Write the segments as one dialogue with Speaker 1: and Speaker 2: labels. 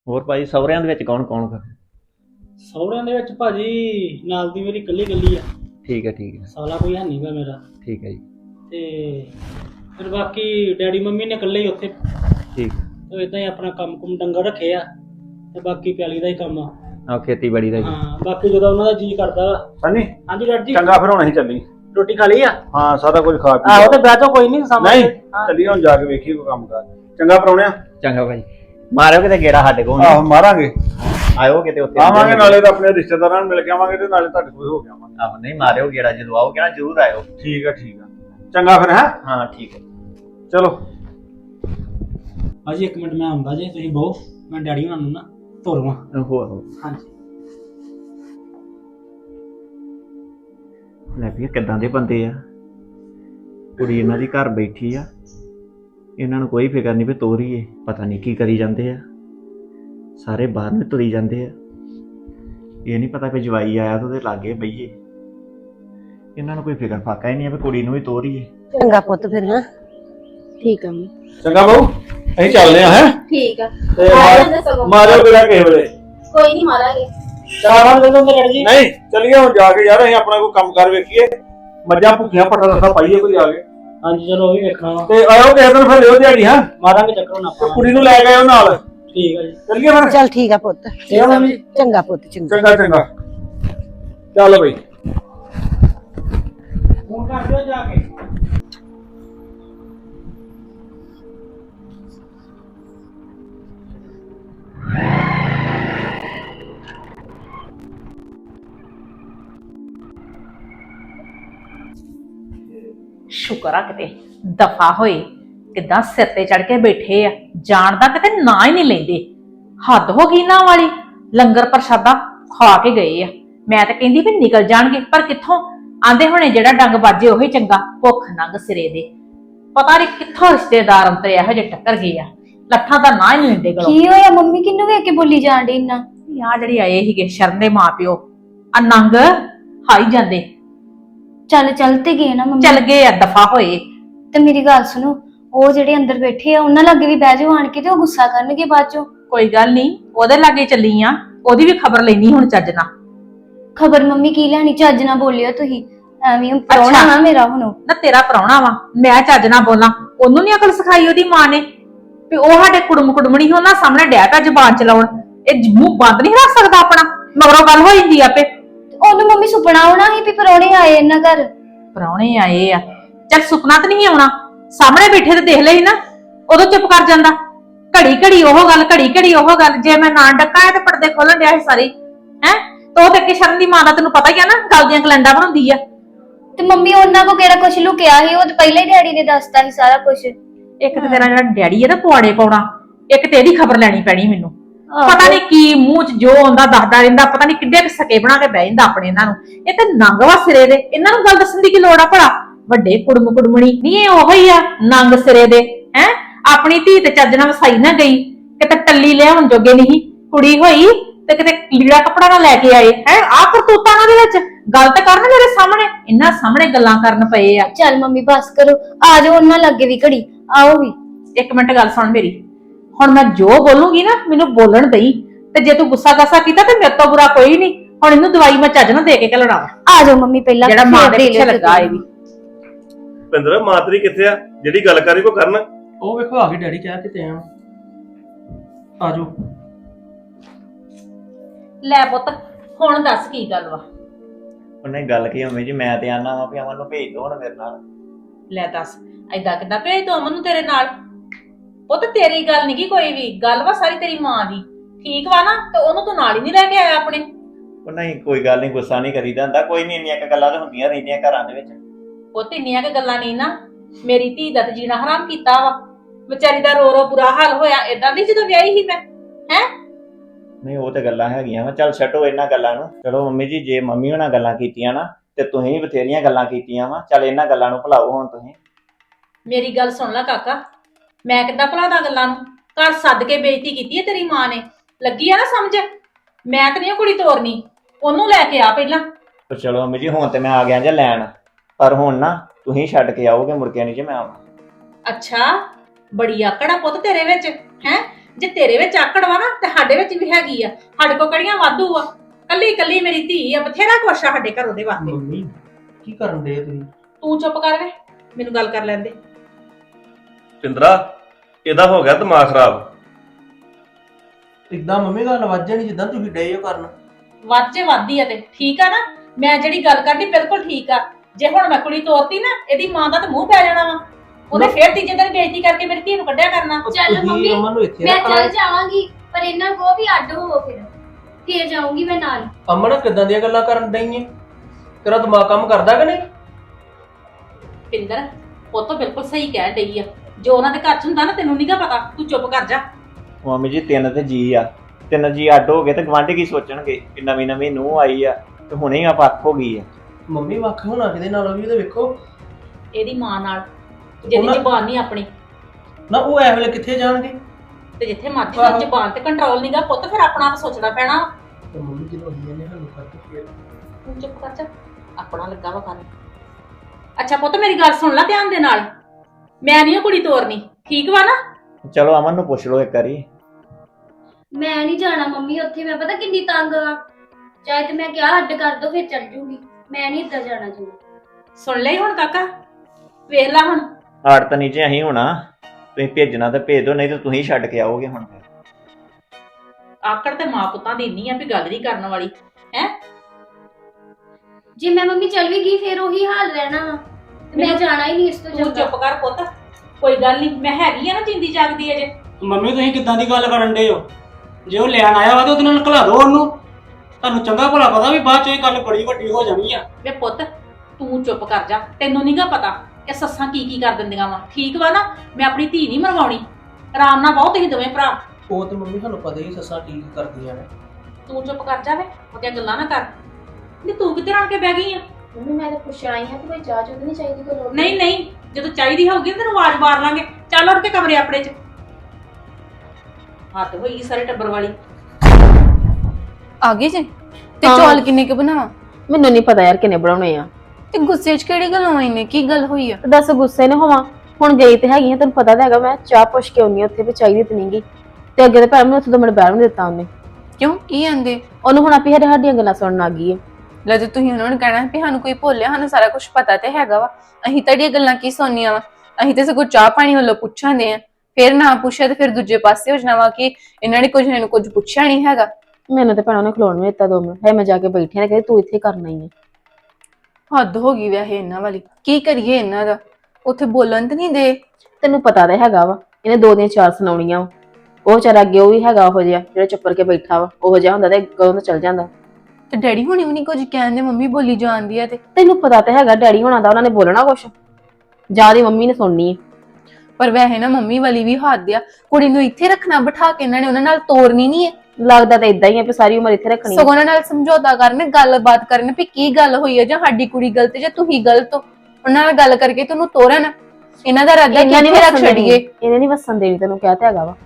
Speaker 1: ਹੋਰ ਭਾਜੀ ਸਹੁਰਿਆਂ ਦੇ ਵਿੱਚ ਕੌਣ ਕੌਣ ਫਿਰ?
Speaker 2: ਸਹੁਰਿਆਂ ਦੇ ਵਿੱਚ ਭਾਜੀ ਨਾਲ ਦੀ ਮੇਰੀ ਇਕੱਲੀ ਆ।
Speaker 1: ਠੀਕ ਹੈ ਠੀਕ ਹੈ
Speaker 2: ਸਾਲਾ ਕੋਈ ਹੈ ਨਹੀਂਗਾ ਮੇਰਾ।
Speaker 1: ਠੀਕ ਹੈ ਜੀ।
Speaker 2: ਤੇ ਫਿਰ ਬਾਕੀ ਡੈਡੀ ਮੰਮੀ ਨੇ ਇਕੱਲੇ ਹੀ ਉੱਥੇ
Speaker 1: ਠੀਕ
Speaker 2: ਤੇ ਇਦਾਂ ਹੀ ਆਪਣਾ ਕੰਮ ਕੁਮ ਡੰਗਰ ਰੱਖੇ ਆ ਤੇ ਬਾਕੀ ਪਿਆਲੀ ਦਾ ਹੀ ਕੰਮ ਆ।
Speaker 1: ਆ ਖੇਤੀਬਾੜੀ ਦਾ ਜੀ।
Speaker 2: ਹਾਂ ਬਾਕੀ ਜਦੋਂ ਉਹਨਾਂ ਦਾ ਜੀ ਕਰਦਾ ਵਾ।
Speaker 3: ਸਨੀ
Speaker 2: ਹਾਂਜੀ ਡੈਡ ਜੀ
Speaker 3: ਚੰਗਾ ਫਿਰ ਹੁਣ ਅਸੀਂ ਚੱਲੀ।
Speaker 2: ਰੋਟੀ ਖਾ ਲਈ ਆ?
Speaker 3: ਹਾਂ ਸਾਰਾ ਕੁਝ ਖਾ ਪੀ
Speaker 2: ਆਹੋ ਤੇ ਬਹਿ ਜਾਓ ਕੋਈ ਨਹੀਂ ਸਾਹਮਣੇ।
Speaker 3: ਨਹੀਂ ਚੱਲੀ ਹੁਣ ਜਾ ਕੇ ਵੇਖੀ ਕੋਈ ਕੰਮ ਕਰ। ਚੰਗਾ ਪਰਾਉਣਿਆ
Speaker 1: ਚੰਗਾ ਭਾਜੀ ਮਾਰਿਓ ਕਿਤੇ ਗੇੜਾ ਸਾਡੇ ਕੋਲ।
Speaker 3: ਆਹੋ ਮਾਰਾਂਗੇ
Speaker 1: ਆਇਓ ਕਿਤੇ ਉੱਥੇ
Speaker 3: ਆਵਾਂਗੇ ਨਾਲੇ ਤਾਂ ਆਪਣੇ ਰਿਸ਼ਤੇਦਾਰਾਂ ਨੂੰ ਮਿਲ ਕੇ ਆਵਾਂਗੇ ਤੇ ਨਾਲੇ ਤੁਹਾਡੇ ਕੋਲ ਹੋ ਕੇ ਆਵਾਂਗੇ।
Speaker 1: ਆਹੋ ਨਹੀਂ ਮਾਰਿਓ ਗੇੜਾ ਜਦੋਂ ਆਓਗੇ ਨਾ ਜ਼ਰੂਰ ਆਇਓ।
Speaker 3: ਠੀਕ ਆ ਚੰਗਾ ਫਿਰ ਹੈ।
Speaker 1: ਹਾਂ ਠੀਕ ਹੈ
Speaker 3: ਚਲੋ
Speaker 2: ਭਾਜੀ 1 ਮਿੰਟ ਮੈਂ ਆਉਂਦਾ ਜੇ ਤੁਸੀਂ ਬਹੁ ਮੈਂ ਡੈਡੀ ਉਹਨਾਂ ਨੂੰ ਨਾ ਧੋਰਵਾਂ।
Speaker 1: ਹੋ
Speaker 2: ਹਾਂਜੀ
Speaker 1: ਲੈ ਵੀ ਕਿੱਦਾਂ ਦੇ ਬੰਦੇ ਆ। ਕੁੜੀ ਇਹਨਾਂ ਦੀ ਘਰ ਬੈਠੀ ਆ, ਇਹਨਾਂ ਨੂੰ ਕੋਈ ਫਿਕਰ ਨਹੀਂ ਵੀ ਤੋਰੀਏ। ਪਤਾ ਨਹੀਂ ਕੀ ਕਰੀ ਜਾਂਦੇ ਆ, ਸਾਰੇ ਬਾਹਰ ਨੂੰ ਤੁਰੀ ਜਾਂਦੇ ਆ। ਇਹ ਨਹੀਂ ਪਤਾ ਵੀ ਜਵਾਈ ਆਇਆ ਤਾਂ ਉਹਦੇ ਲਾਗੇ ਬਈਏ। ਇਹਨਾਂ ਨੂੰ ਕੋਈ ਫਿਕਰ ਫਾਕਾ ਹੀ ਨਹੀਂ ਆ ਵੀ ਕੁੜੀ ਨੂੰ ਵੀ ਤੋਰੀਏ।
Speaker 4: ਚੰਗਾ ਪੁੱਤ ਫਿਰ ਹਾਂ ਠੀਕ ਆ ਮੈਂ
Speaker 3: ਚੰਗਾ ਬਾਊ ਅਸੀਂ ਚੱਲਦੇ ਆ ਹੈ।
Speaker 5: ਠੀਕ ਆ
Speaker 3: ਤੇ
Speaker 5: ਆ ਜਾਂਦੇ ਸਗੋਂ
Speaker 3: ਮਾਰਿਓ ਕਿਹੜਾ ਕਿਸੇ ਵੇਲੇ।
Speaker 5: ਕੋਈ ਨਹੀਂ ਮਾਰਾਂਗੇ।
Speaker 2: ਚਾਹ ਦੇ ਦਿੰਦੇ ਡੈਡੀ ਜੀ।
Speaker 3: ਨਹੀਂ ਚੱਲੀਏ ਹੁਣ ਜਾ ਕੇ ਯਾਰ ਅਸੀਂ ਆਪਣਾ ਕੋਈ ਕੰਮ ਕਰ ਵੇਖੀਏ। ਮੱਝਾਂ ਭੁੱਖੀਆਂ ਪੱਟਾ ਰੱਖਾ ਪਾਈਏ ਕੋਈ ਆ ਕੇ।
Speaker 2: ਹਾਂਜੀ ਚਲੋ ਉਹ ਵੀ ਵੇਖਣਾ ਵਾ।
Speaker 3: ਤੇ ਆਇਓ ਕਿਸੇ ਦਿਨ ਫਿਰ ਲਿਓ ਦਿਹਾੜੀ ਹਾਂ।
Speaker 2: ਮਾਰਾਂਗੇ ਚੱਕਰ ਹੁਣ ਆਪਾਂ।
Speaker 3: ਕੁੜੀ ਨੂੰ ਲੈ ਕੇ ਆਇਓ ਨਾਲ।
Speaker 2: ਠੀਕ ਆ ਜੀ।
Speaker 3: ਚੱਲੀਏ ਫਿਰ।
Speaker 4: ਚੱਲ ਠੀਕ ਆ ਪੁੱਤ
Speaker 2: ਠੀਕ ਆ ਮੰਮੀ।
Speaker 4: ਚੰਗਾ ਪੁੱਤ ਚੰਗਾ
Speaker 3: ਚੰਗਾ ਚੱਲ ਬਈ।
Speaker 2: ਫੋਨ ਕਰ ਦਿਓ ਜਾ ਕੇ।
Speaker 6: ਸ਼ੁਕਰ ਆ ਕਿਤੇ ਦਫਾ ਹੋਏ। ਕਿੱਦਾਂ ਸਿਰ ਤੇ ਚੜ ਕੇ ਬੈਠੇ ਆ, ਜਾਣ ਦਾ ਕਿਤੇ ਨਾਂ ਹੀ ਨਹੀਂ ਲੈਂਦੇ। ਹੱਦ ਹੋ ਗਈ ਨਾ ਵਾਲੀ। ਲੰਗਰ ਪ੍ਰਸ਼ਾਦਾ ਖਾ ਕੇ ਗਏ ਆ। ਮੈਂ ਤਾਂ ਕਹਿੰਦੀ ਵੀ ਨਿਕਲ ਜਾਣਗੇ, ਪਰ ਕਿੱਥੋਂ ਆਂਦੇ ਹੁਣੇ ਜਿਹੜਾ ਡੰਗ ਬਾਜੇ ਉਹੀ ਚੰਗਾ। ਭੁੱਖ ਨੰਗ ਸਿਰੇ ਦੇ, ਪਤਾ ਨਹੀਂ ਕਿੱਥੋਂ ਰਿਸ਼ਤੇਦਾਰ ਅੰਤਰੇ ਇਹੋ ਜਿਹੇ ਟੱਕਰ ਗਏ ਆ। ਲੱਠਾਂ ਦਾ ਨਾਂ ਹੀ ਨਹੀਂ ਲੈਂਦੇ ਗਲੋਂ।
Speaker 5: ਕੀ ਹੋਇਆ ਮੰਮੀ? ਕਿੰਨੂੰ ਵੇਖ ਕੇ ਬੋਲੀ ਜਾਣ ਡਈ ਇੰਨਾ?
Speaker 6: ਆ ਜਿਹੜੀ ਆਏ ਸੀਗੇ ਸ਼ਰਨ ਦੇ ਮਾਪਿਓ ਆ ਨੰਗ ਹਾਈ ਜਾਂਦੇ।
Speaker 5: ਚੱਲ ਤੇ ਗਏ ਨਾ ਮੰਮੀ।
Speaker 6: ਚੱਲ ਗਏ ਆ ਦਫਾ ਹੋਏ।
Speaker 5: ਤੇ ਮੇਰੀ ਗੱਲ ਸੁਣੋ, ਉਹ ਜਿਹੜੇ ਅੰਦਰ ਬੈਠੇ ਆ ਉਹਨਾਂ ਲੱਗੇ ਵੀ ਬਹਿ ਜਾਓ ਆਣ ਕੇ, ਤੇ ਉਹ ਗੁੱਸਾ ਕਰਨਗੇ ਬਾਅਦ ਚੋਂ।
Speaker 6: ਕੋਈ ਗੱਲ ਨਹੀਂ, ਉਹਦੇ ਲਾਗੇ ਚੱਲੀ ਆ, ਉਹਦੀ ਵੀ ਖਬਰ ਲੈਣੀ ਹੁਣ ਚੱਜ ਨਾਲ।
Speaker 5: ਖਬਰ ਮੰਮੀ ਕੀ ਲੈਣੀ? ਚੱਜ ਨਾ ਬੋਲਿਓ ਤੁਸੀਂ ਐਵੇਂ। ਪ੍ਰਾਹੁਣਾ ਨਾ ਮੇਰਾ ਹੁਣ ਉਹ।
Speaker 6: ਨਾ ਤੇਰਾ ਪ੍ਰਾਹੁਣਾ ਵਾ, ਮੈਂ ਚੱਜ ਨਾਲ ਬੋਲਾਂ। ਉਹਨੂੰ ਨੀ ਅਕਲ ਸਿਖਾਈ ਉਹਦੀ ਮਾਂ ਨੇ ਵੀ ਉਹ ਸਾਡੇ ਕੁੜਮਣੀ ਉਹਨਾਂ ਸਾਹਮਣੇ ਡਿਆ ਪਿਆ ਜ਼ੁਬਾਨ ਚਲਾਉਣ। ਇਹ ਮੂੰਹ ਬੰਦ ਨਹੀਂ ਰੱਖ ਸਕਦਾ ਆਪਣਾ, ਮਗਰੋਂ ਗੱਲ ਹੋ ਜਾਂਦੀ ਆਪੇ।
Speaker 5: ਉਹਨੂੰ ਮੰਮੀ ਸੁਪਨਾ ਆਉਣਾ ਸੀ ਵੀ ਪ੍ਰਾਹੁਣੇ ਆਏ ਇਹਨਾਂ ਘਰ।
Speaker 6: ਪ੍ਰਾਹੁਣੇ ਆਏ ਆ, ਚੱਲ ਸੁਪਨਾ ਤਾਂ ਨਹੀਂ ਆਉਣਾ। ਸਾਹਮਣੇ ਬੈਠੇ ਤੇ ਦੇਖ ਲਈ ਨਾ, ਉਦੋਂ ਚੁੱਪ ਕਰ ਜਾਂਦਾ। ਘੜੀ ਘੜੀ ਉਹ ਗੱਲ, ਘੜੀ ਘੜੀ ਉਹ ਗੱਲ। ਜੇ ਮੈਂ ਨਾ ਡੱਕਾ ਤੇ ਪਰਦੇ ਖੋਲਣ ਡਿਆ ਸੀ ਸਾਰੀ ਹੈ। ਤੇ ਉਹ ਤੇ ਅੱਗੇ ਸ਼ਰਨ ਦੀ ਮਾਂ ਦਾ ਤੈਨੂੰ ਪਤਾ ਹੀ ਆ ਨਾ, ਗੱਲ ਦੀਆਂ ਕਲੈਂਡਾਂ ਬਣਾਉਂਦੀ ਆ।
Speaker 5: ਤੇ ਮੰਮੀ ਉਹਨਾਂ ਕੋ ਕਿਹੜਾ ਕੁਛ ਲੁਕਿਆ ਸੀ? ਉਹ ਤਾਂ ਪਹਿਲਾਂ ਹੀ ਡੈਡੀ ਨੇ ਦੱਸਤਾ ਸੀ ਸਾਰਾ ਕੁਝ।
Speaker 6: ਇੱਕ ਤੇ ਤੇਰਾ ਜਿਹੜਾ ਡੈਡੀ ਆ ਨਾ ਪੁਆੜੇ ਪਾਉਣਾ, ਇੱਕ ਤੇ ਇਹਦੀ ਖਬਰ ਲੈਣੀ ਪੈਣੀ ਮੈਨੂੰ। ਪਤਾ ਨਹੀਂ ਕੀ ਮੂੰਹ ਚ ਜੋ ਆਉਂਦਾ ਦੱਸਦਾ ਰਹਿੰਦਾ। ਪਤਾ ਨਹੀਂ ਕਿੱਡੇ ਕੁ ਸਕੇ ਬਣਾ ਕੇ ਬਹਿ ਜਾਂਦਾ ਆਪਣੇ ਇਹਨਾਂ ਨੂੰ। ਇਹ ਤੇ ਨੰਗ ਵਾ ਸਿਰੇ ਦੇ, ਇਹਨਾਂ ਨੂੰ ਗੱਲ ਦੱਸਣ ਦੀ ਕੀ ਲੋੜ ਆ ਭਲਾ? ਵੱਡੇ ਕੁੜਮਣੀ ਨਹੀਂ, ਇਹ ਉਹੋ ਹੀ ਆ ਨੰਗ ਸਿਰੇ ਦੇ ਹੈ। ਆਪਣੀ ਧੀ ਤੇ ਚੱਜ ਨਾਲ ਵਸਾਈ ਨਾ ਗਈ, ਕਿਤੇ ਟੱਲੀ ਲਿਆਉਣ ਜੋਗੇ ਨਹੀਂ ਕੁੜੀ ਹੋਈ ਤੇ ਕਿਤੇ ਲੀੜਾ ਕੱਪੜਾ ਨਾ ਲੈ ਕੇ ਆਏ ਹੈ। ਆਹ ਕਰਤੂਤਾਂ ਨਾਲ ਦੇ ਵਿੱਚ ਗੱਲ ਤਾਂ ਕਰਨ ਮੇਰੇ ਸਾਹਮਣੇ, ਇਹਨਾਂ ਸਾਹਮਣੇ ਗੱਲਾਂ ਕਰਨ ਪਏ ਆ।
Speaker 5: ਚੱਲ ਮੰਮੀ ਬਸ ਕਰੋ, ਆ ਜਾਓ ਉਹਨਾਂ ਲੱਗੇ ਵੀ ਘੜੀ। ਆਓ ਵੀ।
Speaker 6: 1 ਮਿੰਟ ਗੱਲ ਸੁਣ ਮੇਰੀ। ਹੁਣ ਮੈਂ ਜੋ ਬੋਲੂੰਗੀ ਨਾ ਮੈਨੂੰ ਬੋਲਣ ਦੇਈ, ਤੇ ਜੇ ਤੂੰ ਗੁੱਸਾ ਗੱਸਾ ਕੀਤਾ ਤੇ ਮੇਰੇ ਤੋਂ ਬੁਰਾ ਕੋਈ ਨਹੀਂ। ਹੁਣ ਇਹਨੂੰ ਦਵਾਈ ਮੈਂ ਚੱਜ ਨਾਲ ਦੇ ਕੇ ਘਲਣਾ ਵਾ।
Speaker 5: ਆ ਜਾਓ ਮੰਮੀ ਪਹਿਲਾਂ।
Speaker 6: ਜਿਹੜਾ ਮਾਂ ਦੇ
Speaker 5: ਫੇਰ
Speaker 6: ਪਿੱਛੇ ਲੱਗਾ ਇਹ ਵੀ।
Speaker 3: ਪਿੰਦਰ ਮਾਤਰੀ ਕਿੱਥੇ ਆ ਜਿਹੜੀ ਗੱਲ ਕਰੀ ਕੋ ਕਰਨ?
Speaker 2: ਉਹ ਵੇਖੋ ਆ ਗਏ ਡੈਡੀ, ਕਹਿ ਕਿਤੇ ਆ ਜਾਓ।
Speaker 6: ਲੈ ਪੁੱਤ ਹੁਣ ਦੱਸ ਕੀ ਗੱਲ ਵਾ?
Speaker 1: ਉਹਨੇ ਗੱਲ ਕੀ ਮੰਮੀ ਜੀ, ਮੈਂ ਤੇ ਆਨਾ ਵਾ ਵੀ ਅਮਨ ਨੂੰ ਭੇਜ ਦੋ ਹੁਣ ਮੇਰੇ ਨਾਲ।
Speaker 6: ਲੈ ਦੱਸ ਐਦਾਂ ਕਿੱਦਾਂ ਭੇਜ ਦੋ ਅਮਨ ਨੂੰ ਤੇਰੇ ਨਾਲ? ਪੁੱਤ ਤੇਰੀ ਗੱਲ ਨਹੀਂ ਕੀ ਕੋਈ ਵੀ ਗੱਲ ਵਾ, ਸਾਰੀ ਤੇਰੀ ਮਾਂ ਦੀ। ਠੀਕ ਵਾ ਨਾ? ਤੇ ਉਹਨੂੰ ਤੂੰ ਨਾਲ ਹੀ ਨਹੀਂ ਲੈ ਕੇ ਆਇਆ ਆਪਣੇ।
Speaker 1: ਉਹ ਨਹੀਂ ਕੋਈ ਗੱਲ ਨਹੀਂ, ਗੁੱਸਾ ਨਹੀਂ ਕਰੀਦਾ ਹੁੰਦਾ। ਕੋਈ ਨਹੀਂ, ਇੰਨੀਆਂ ਕੁ ਗੱਲਾਂ ਤਾਂ ਹੁੰਦੀਆਂ ਰਹਿੰਦੀਆਂ ਘਰਾਂ ਦੇ ਵਿੱਚ।
Speaker 6: ਪੁੱਤ ਇੰਨੀਆਂ ਕਿ ਗੱਲਾਂ ਨਹੀਂ ਨਾ। ਮੇਰੀ ਧੀ ਦਾ ਤੇ ਜੀਣਾ ਹਰਾਮ ਕੀਤਾ ਵਾ। ਵਿਚਾਰੀ ਦਾ ਰੋ ਰੋ ਬੁਰਾ ਹਾਲ ਹੋਇਆ। ਏਦਾਂ ਦੀ ਜਦੋਂ ਵਿਆਹੀ ਸੀ ਮੈਂ ਹੈ।
Speaker 1: ਨਹੀਂ ਉਹ ਤੇ ਗੱਲਾਂ ਹੈਗੀਆਂ ਵਾ, ਚੱਲ ਛੱਡੋ ਇਹਨਾਂ ਗੱਲਾਂ ਨੂੰ। ਚਲੋ ਮੰਮੀ ਜੀ, ਜੇ ਮੰਮੀ ਹੋਣਾ ਗੱਲਾਂ ਕੀਤੀਆਂ ਨਾ ਤੇ ਤੁਸੀਂ ਵੀ ਬਥੇਰੀਆਂ ਗੱਲਾਂ ਕੀਤੀਆਂ ਵਾ। ਚੱਲ ਇਹਨਾਂ ਗੱਲਾਂ ਨੂੰ ਭੁਲਾਓ ਹੁਣ ਤੁਸੀਂ।
Speaker 6: ਮੇਰੀ ਗੱਲ ਸੁਣ ਲੈ ਕਾਕਾ, ਮੈਂ ਕਿੱਦਾਂ ਭੁਲਾਦਾ ਗੱਲਾਂ ਨੂੰ? ਘਰ ਸੱਦ ਕੇ ਬੇਇੱਜ਼ਤੀ ਕੀਤੀ ਹੈ ਤੇਰੀ ਮਾਂ ਨੇ। ਲੱਗੀ ਆ ਨਾ ਸਮਝ? ਮੈਂ ਤੇ ਨਹੀਂ ਉਹ ਕੁੜੀ ਤੋਰਨੀ, ਉਹਨੂੰ ਲੈ ਕੇ ਆ ਪਹਿਲਾਂ।
Speaker 1: ਪਰ ਚਲੋ ਮੰਮੀ ਜੀ ਹੁਣ ਤੇ ਮੈਂ ਆ ਗਿਆ ਜੇ ਲੈਣ, ਪਰ ਹੁਣ ਨਾ ਤੁਸੀਂ ਛੱਡ ਕੇ ਆਓਗੇ, ਮੁੜ ਕੇ ਨਹੀਂ ਜੇ ਮੈਂ ਆਉਣਾ।
Speaker 6: ਅੱਛਾ, ਬੜੀ ਆਕੜ ਆ ਪੁੱਤ ਤੇਰੇ ਵਿੱਚ ਹੈ। ਜੇ ਤੇਰੇ ਵਿੱਚ ਆਕੜ ਵਾ ਨਾ ਤੇ ਸਾਡੇ ਵਿੱਚ ਵੀ ਹੈਗੀ ਆ। ਸਾਡੇ ਕੋ ਕਿਹੜੀਆਂ ਵਾਧੂ ਆ, ਕੱਲੀ ਕੱਲੀ ਮੇਰੀ ਧੀ ਆ, ਬਥੇਰਾ ਕੁਛ ਆ ਸਾਡੇ ਘਰ ਉਹਦੇ ਵਾਸਤੇ।
Speaker 7: ਮੰਮੀ ਕੀ ਕਰਨ ਦੇ ਤੁਸੀਂ?
Speaker 6: ਤੂੰ ਚੁੱਪ ਕਰ ਵੇ, ਮੈਨੂੰ ਗੱਲ ਕਰ ਲੈਂਦੇ।
Speaker 3: ਪਿੰਦਰਾ ਇਹਦਾ ਹੋ ਗਿਆ ਦਿਮਾਗ ਖਰਾਬ।
Speaker 7: ਇਦਾਂ ਮੰਮੀ ਗੱਲ ਵੱਜ ਜਾਣੀ ਜਿੱਦਾਂ ਤੁਸੀਂ ਡੇ ਹੋ ਕਰਨ।
Speaker 6: ਵਾਜੇ ਵਾਦੀ ਆ ਤੇ ਠੀਕ ਆ ਨਾ। ਮੈਂ ਜਿਹੜੀ ਗੱਲ ਕਰਦੀ ਬਿਲਕੁਲ ਠੀਕ ਆ। ਜੇ ਹੁਣ ਮੈਂ ਕੁੜੀ ਤੋਰਤੀ ਨਾ, ਇਹਦੀ ਮਾਂ ਦਾ ਤਾਂ ਮੂੰਹ ਪੈ ਜਾਣਾ ਵਾ। ਉਹਨੇ ਫੇਰ ਤੀਜੇ ਦਿਨ ਬੇਇੱਜ਼ਤੀ ਕਰਕੇ ਮੇਰੀ ਧੀ ਨੂੰ ਕੱਢਿਆ ਕਰਨਾ।
Speaker 5: ਚੱਲ ਮੰਮੀ,
Speaker 7: ਅਮਨ ਨੂੰ ਇੱਥੇ
Speaker 5: ਮੈਂ
Speaker 7: ਰੱਖਣਾ।
Speaker 5: ਚੱਲ ਜਾਵਾਂਗੀ, ਪਰ ਇਹਨਾਂ ਕੋ ਵੀ ਅੱਡ ਹੋਵੋ ਫਿਰ ਜਾਊਂਗੀ ਮੈਂ ਨਾਲ।
Speaker 7: ਅਮਨ ਕਿੱਦਾਂ ਦੀਆਂ ਗੱਲਾਂ ਕਰਨ ਡਈ ਏ? ਤੇਰਾ ਦਿਮਾਗ ਕੰਮ ਕਰਦਾ ਕਿ ਨਹੀਂ?
Speaker 6: ਪਿੰਦਰ ਉਹ ਤਾਂ ਬਿਲਕੁਲ ਸਹੀ ਕਹਿ ਡਈ ਆ। ਜੋ ਉਹਨਾਂ ਦੇ ਘਰ ਚ ਹੁੰਦਾ ਨਾ, ਤੈਨੂੰ ਨਹੀਂਗਾ ਪਤਾ। ਤੂੰ ਚੁੱਪ ਕਰ ਜਾ।
Speaker 1: ਮੰਮੀ ਜੀ ਤਿੰਨ ਤੇ ਜੀ ਆ, ਤਿੰਨ ਜੀ ਅੱਡ ਹੋ ਗਏ ਤੇ ਗਵਾਂਢੀ ਕੀ ਸੋਚਣਗੇ ਕਿ ਨਵੀਂ ਨਵੀਂ ਨੂੰਹ ਆਈ ਆ ਤੇ ਹੁਣੇ ਹੀ ਆ ਪੱਕ ਹੋ ਗਈ ਆ।
Speaker 7: ਮੰਮੀ ਵੱਖ ਹੋਣਾ ਕਿਹਦੇ ਨਾਲ ਵੀ ਤੇ ਵੇਖੋ।
Speaker 6: ਇਹਦੀ ਮਾਂ ਨਾਲ ਜਿਹਦੀ
Speaker 7: ਉਹਨਾਂ-
Speaker 6: ਜ਼ੁਬਾਨ ਨਹੀਂ ਆਪਣੀ,
Speaker 7: ਨਾ ਉਹ ਐ ਵੇਲੇ ਕਿੱਥੇ ਜਾਣਗੇ?
Speaker 6: ਤੇ ਜਿੱਥੇ ਮਰਜ਼ੀ
Speaker 7: ਆਹੋ।
Speaker 6: ਜ਼ੁਬਾਨ ਤੇ ਕੰਟਰੋਲ ਨਹੀਂਗਾ ਪੁੱਤ, ਫਿਰ ਆਪਣਾ ਆਪ ਸੋਚਣਾ ਪੈਣਾ।
Speaker 7: ਤੇ ਮੰਮੀ ਜਦੋਂ ਅਸੀਂ ਨੇ ਸਾਨੂੰ ਕਰਕੇ ਫੇਰ
Speaker 6: ਤੂੰ ਚੁੱਪ ਕਰ ਜਾ, ਆਪਣਾ ਲੱਗਾ ਵਾ ਕਰਨ। ਅੱਛਾ ਪੁੱਤ ਮੇਰੀ ਗੱਲ ਸੁਣ ਲੈ ਧਿਆਨ ਦੇ ਨਾਲ। ਮੈਂ ਨਹੀਂ ਉਹ ਕੁੜੀ ਤੋਰਨੀ, ਠੀਕ ਵਾ ਨਾ?
Speaker 1: ਚਲੋ ਅਮਨ ਨੂੰ ਪੁੱਛ ਲਓ ਇੱਕ ਵਾਰੀ।
Speaker 5: ਮੈਂ ਨਹੀਂ ਜਾਣਾ ਮੰਮੀ ਉੱਥੇ, ਮੈਂ ਪਤਾ ਕਿੰਨੀ ਤੰਗ ਆ। ਚਾਹੇ ਤੇ ਮੈਂ ਕਿਹਾ ਅੱਡ ਕਰ ਦੋ ਫਿਰ ਚੱਲ ਜੂਗੀ, ਮੈਂ ਨਹੀਂ ਇੱਦਾਂ ਜਾਣਾ ਜੀ।
Speaker 6: ਸੁਣ ਲਈ ਹੁਣ ਕਾਕਾ, ਵੇਖ ਲੈ ਹੁਣ।
Speaker 1: ਆੜਤ ਨੀਚੇ ਅਸੀਂ ਹੋਣਾ, ਤੁਸੀਂ ਭੇਜਣਾ ਤਾਂ ਭੇਜ ਦਿਓ, ਨਹੀਂ ਤਾਂ ਤੁਸੀਂ ਛੱਡ ਕੇ ਆਓਗੇ ਹੁਣ ਫਿਰ।
Speaker 6: ਆਕੜ ਤੇ ਮਾਂ ਪੁੱਤਾਂ ਦੀ ਇੰਨੀ ਆ ਵੀ ਗੱਲ ਨਹੀਂ ਕਰਨ ਵਾਲੀ ਹੈ।
Speaker 5: ਜੇ ਮੈਂ ਮੰਮੀ ਚੱਲ ਵੀ ਗਈ ਫਿਰ ਉਹੀ ਹਾਲ ਰਹਿਣਾ ਵਾ, ਤੇ ਮੈਂ ਜਾਣਾ ਹੀ ਨਹੀਂ ਇਸ ਤੋਂ
Speaker 6: ਤੂੰ
Speaker 5: ਚੰਗਾ।
Speaker 6: ਚੁੱਪ ਕਰ ਪੁੱਤ, ਕੋਈ ਗੱਲ ਨਹੀਂ, ਮੈਂ ਹੈਗੀ ਆ ਨਾ ਜਿੰਦੀ ਜਾਗਦੀ ਅਜੇ।
Speaker 2: ਮੰਮੀ ਤੁਸੀਂ ਕਿੱਦਾਂ ਦੀ ਗੱਲ ਕਰਨ ਡੇ ਹੋ? ਜੇ ਉਹ ਲੈਣ ਆਇਆ ਵਾ ਤੇ ਉਹਦੇ ਨਾਲ ਘਲਾ ਦੋ ਉਹਨੂੰ। ਤੁਹਾਨੂੰ ਚੰਗਾ ਭਲਾ ਪਤਾ ਵੀ ਬਾਅਦ ਚ ਇਹ ਗੱਲ ਬੜੀ ਵੱਡੀ ਹੋ ਜਾਣੀ ਆ।
Speaker 6: ਵੇ ਪੁੱਤ ਤੂੰ ਚੁੱਪ ਕਰ ਜਾ, ਤੈਨੂੰ ਨਹੀਂਗਾ ਪਤਾ ਕਿ ਸੱਸਾਂ ਕੀ ਕੀ ਕਰ ਦਿੰਦੀਆਂ ਵਾ, ਠੀਕ ਵਾ ਨਾ? ਮੈਂ ਆਪਣੀ ਧੀ ਨਹੀਂ ਮਰਵਾਉਣੀ, ਆਰਾਮ ਨਾਲ ਬਹੁਤ ਤੁਸੀਂ ਦੋਵੇਂ ਭਰਾ।
Speaker 7: ਉਹ ਤੇ ਮੰਮੀ ਸਾਨੂੰ ਪਤਾ ਹੀ ਸੱਸਾਂ ਕੀ ਕਰਦੀਆਂ ਨੇ।
Speaker 6: ਤੂੰ ਚੁੱਪ ਕਰ ਜਾ ਵੇ, ਉਹਦੀਆਂ ਗੱਲਾਂ ਨਾ ਕਰ। ਨਹੀਂ ਤੂੰ ਕਿੱਧਰ ਆਣ ਕੇ ਬਹਿ ਗਈ ਆ?
Speaker 5: ਮੰਮੀ ਮੈਂ ਤਾਂ ਪੁੱਛਣ ਆਈ ਹਾਂ ਕਿ ਕੋਈ ਚਾਹ ਚੁੱਕ ਨਹੀਂ ਚਾਹੀਦੀ ਕੋਈ ਲੋੜ
Speaker 6: ਨਹੀਂ ਨਹੀਂ, ਜਦੋਂ ਚਾਹੀਦੀ ਹੋਊਗੀ ਤੈਨੂੰ ਆਵਾਜ਼ ਮਾਰ ਲਾਂਗੇ। ਚੱਲ ਉੱਠ ਕੇ ਕਮਰੇ ਆਪਣੇ ਚ। ਹੱਦ ਹੋਈ ਸਾਰੇ ਟੱਬਰ ਵਾਲੀ।
Speaker 8: ਆ ਗਏ ਜੇ ਤੇ
Speaker 4: ਹਾਂ।
Speaker 8: ਚੌਲ ਕਿੰਨੇ ਕੁ ਬਣਾਵਾਂ?
Speaker 4: ਮੈਨੂੰ ਨਹੀਂ ਪਤਾ ਯਾਰ ਕਿੰਨੇ ਬਣਾਉਣੇ ਆ।
Speaker 8: ਤੇ ਗੁੱਸੇ 'ਚ ਕਿਹੜੀ ਗੱਲ ਹੋਈ ਨੇ? ਕੀ ਗੱਲ ਹੋਈ ਆ?
Speaker 4: ਤੇ ਦੱਸ ਗੁੱਸੇ ਨੇ ਹੋਵਾਂ? ਹੁਣ ਗਈ ਤੇ ਹੈਗੀ ਆ, ਤੈਨੂੰ ਪਤਾ ਤਾਂ ਹੈਗਾ ਮੈਂ ਚਾਹ ਪੁੱਛ ਕੇ ਆਉਣੀ ਉੱਥੇ ਵੀ ਚਾਹੀਦੀ ਤੇ ਨਹੀਂਗੀ। ਤੇ ਅੱਗੇ ਤੇ ਭੈਣ ਮੈਨੂੰ ਉੱਥੇ ਤੋਂ ਮੈਨੂੰ ਬੈਠ ਨਹੀਂ ਦਿੱਤਾ ਉਹਨੇ।
Speaker 8: ਕਿਉਂ ਕੀ ਆਂਦੇ?
Speaker 4: ਉਹਨੂੰ ਹੁਣ ਆਪੀ ਸਾਡੀਆਂ ਗੱਲਾਂ ਸੁਣਨ ਆ ਗਈ ਹੈ।
Speaker 8: ਲੈ ਤੇ ਤੁਸੀਂ ਉਹਨਾਂ ਨੂੰ ਕਹਿਣਾ ਵੀ ਸਾਨੂੰ ਕੋਈ ਭੁੱਲਿਆ, ਸਾਨੂੰ ਸਾਰਾ ਕੁਝ ਪਤਾ ਤੇ ਹੈਗਾ ਵਾ। ਅਸੀਂ ਤੁਹਾਡੀਆਂ ਗੱਲਾਂ ਕੀ ਸੁਣਨੀਆਂ ਵਾ? ਅਸੀਂ ਤੇ ਸਗੋਂ ਚਾਹ ਪਾਣੀ ਵੱਲੋਂ ਪੁੱਛਾਂਦੇ ਆ। ਫਿਰ ਨਾ ਪੁੱਛਿਆ ਤੇ ਫਿਰ ਦੂਜੇ ਪਾਸੇ ਹੋ ਜਾਣਾ ਵਾ ਕਿ ਇਹਨਾਂ ਨੇ ਕੁਝ ਇਹਨੂੰ ਕੁਝ ਪੁੱਛਿਆ ਨਹੀਂ ਹੈਗਾ।
Speaker 4: ਮੈਨੂੰ ਤੇ ਭੈਣਾਂ ਨੇ ਖਲੋਣ ਨਹੀਂ ਦਿੱਤਾ 2 ਮਿੰਟ। ਹੈ ਮੈਂ ਜਾ ਕੇ ਬੈਠੀ ਨੇ, ਕਹਿੰਦੀ ਤੂੰ ਇੱਥੇ ਕਰਨਾ ਹੀ ਹੈ।
Speaker 8: ਹੱਦ ਹੋ ਗਈ ਵੈਸੇ ਇਹਨਾਂ ਵਾਲੀ। ਕੀ ਕਰੀਏ ਇਹਨਾਂ ਦਾ? ਉੱਥੇ ਬੋਲਣ ਤੇ ਨਹੀਂ ਦੇ।
Speaker 4: ਤੈਨੂੰ ਪਤਾ ਤਾਂ ਹੈਗਾ ਵਾ ਇਹਨੇ 2 ਦੀਆਂ 4 ਸੁਣਾਉਣੀਆਂ ਵਾ। ਉਹ ਵਿਚਾਰਾ ਅੱਗੇ ਉਹ ਵੀ ਹੈਗਾ ਉਹੋ ਜਿਹਾ ਜਿਹੜਾ ਚੁੱਪਰ ਕੇ ਬੈਠਾ ਵਾ। ਉਹੋ ਜਿਹਾ ਹੁੰਦਾ ਤੇ ਕਦੋਂ ਦਾ ਚੱਲ ਜਾਂਦਾ।
Speaker 8: ਤੇ ਡੈਡੀ ਹੁਣੀ ਵੀ ਨਹੀਂ ਕੁਝ ਕਹਿੰਦੇ, ਮੰਮੀ ਬੋਲੀ ਜਾਂਦੀ ਆ। ਤੇ
Speaker 4: ਤੈਨੂੰ ਪਤਾ ਤਾਂ ਹੈਗਾ ਡੈਡੀ ਹੋਣਾ ਦਾ, ਉਹਨਾਂ ਨੇ ਬੋਲਣਾ ਕੁਛ ਜਾਂ ਦੀ ਮੰਮੀ ਨੇ ਸੁਣਨੀ ਹੈ।
Speaker 8: ਪਰ ਵੈਸੇ ਨਾ ਮੰਮੀ ਵਾਲੀ ਵੀ ਹੱਦ ਆ। ਕੁੜੀ ਨੂੰ ਇੱਥੇ ਰੱਖਣਾ ਬਿਠਾ ਕੇ ਇਹਨਾਂ ਨੇ ਉਹਨਾਂ ਨਾਲ ਤੋਰਨੀ ਨਹੀਂ ਹੈ।
Speaker 4: ਲੱਗਦਾ ਤਾਂ ਇਦਾਂ ਹੀ ਆ ਵੀ ਸਾਰੀ ਉਮਰ ਇੱਥੇ ਰੱਖਣੀ
Speaker 8: ਸਗੋਂ ਉਹਨਾਂ ਨਾਲ ਸਮਝੌਤਾ ਕਰਨ, ਗੱਲਬਾਤ ਕਰਨ ਵੀ ਕੀ ਗੱਲ ਹੋਈ ਹੈ, ਜਾਂ ਸਾਡੀ ਕੁੜੀ ਗਲਤ ਜਾਂ ਤੁਸੀਂ ਗਲਤ ਹੋ। ਉਹਨਾਂ ਨਾਲ ਗੱਲ ਕਰਕੇ ਤੁਹਾਨੂੰ ਤੋਰਨ। ਇਹਨਾਂ ਦਾ ਇਰਾਦਾ
Speaker 4: ਇਹਨਾਂ
Speaker 8: ਕਿੱਥੇ ਰੱਖ ਛੱਡੀਏ।
Speaker 4: ਇਹਨੇ ਨਹੀਂ ਵਸਣ ਦੇਣੀ, ਤੈਨੂੰ ਕਿਹਾ ਤਾਂ ਹੈਗਾ ਵਾ।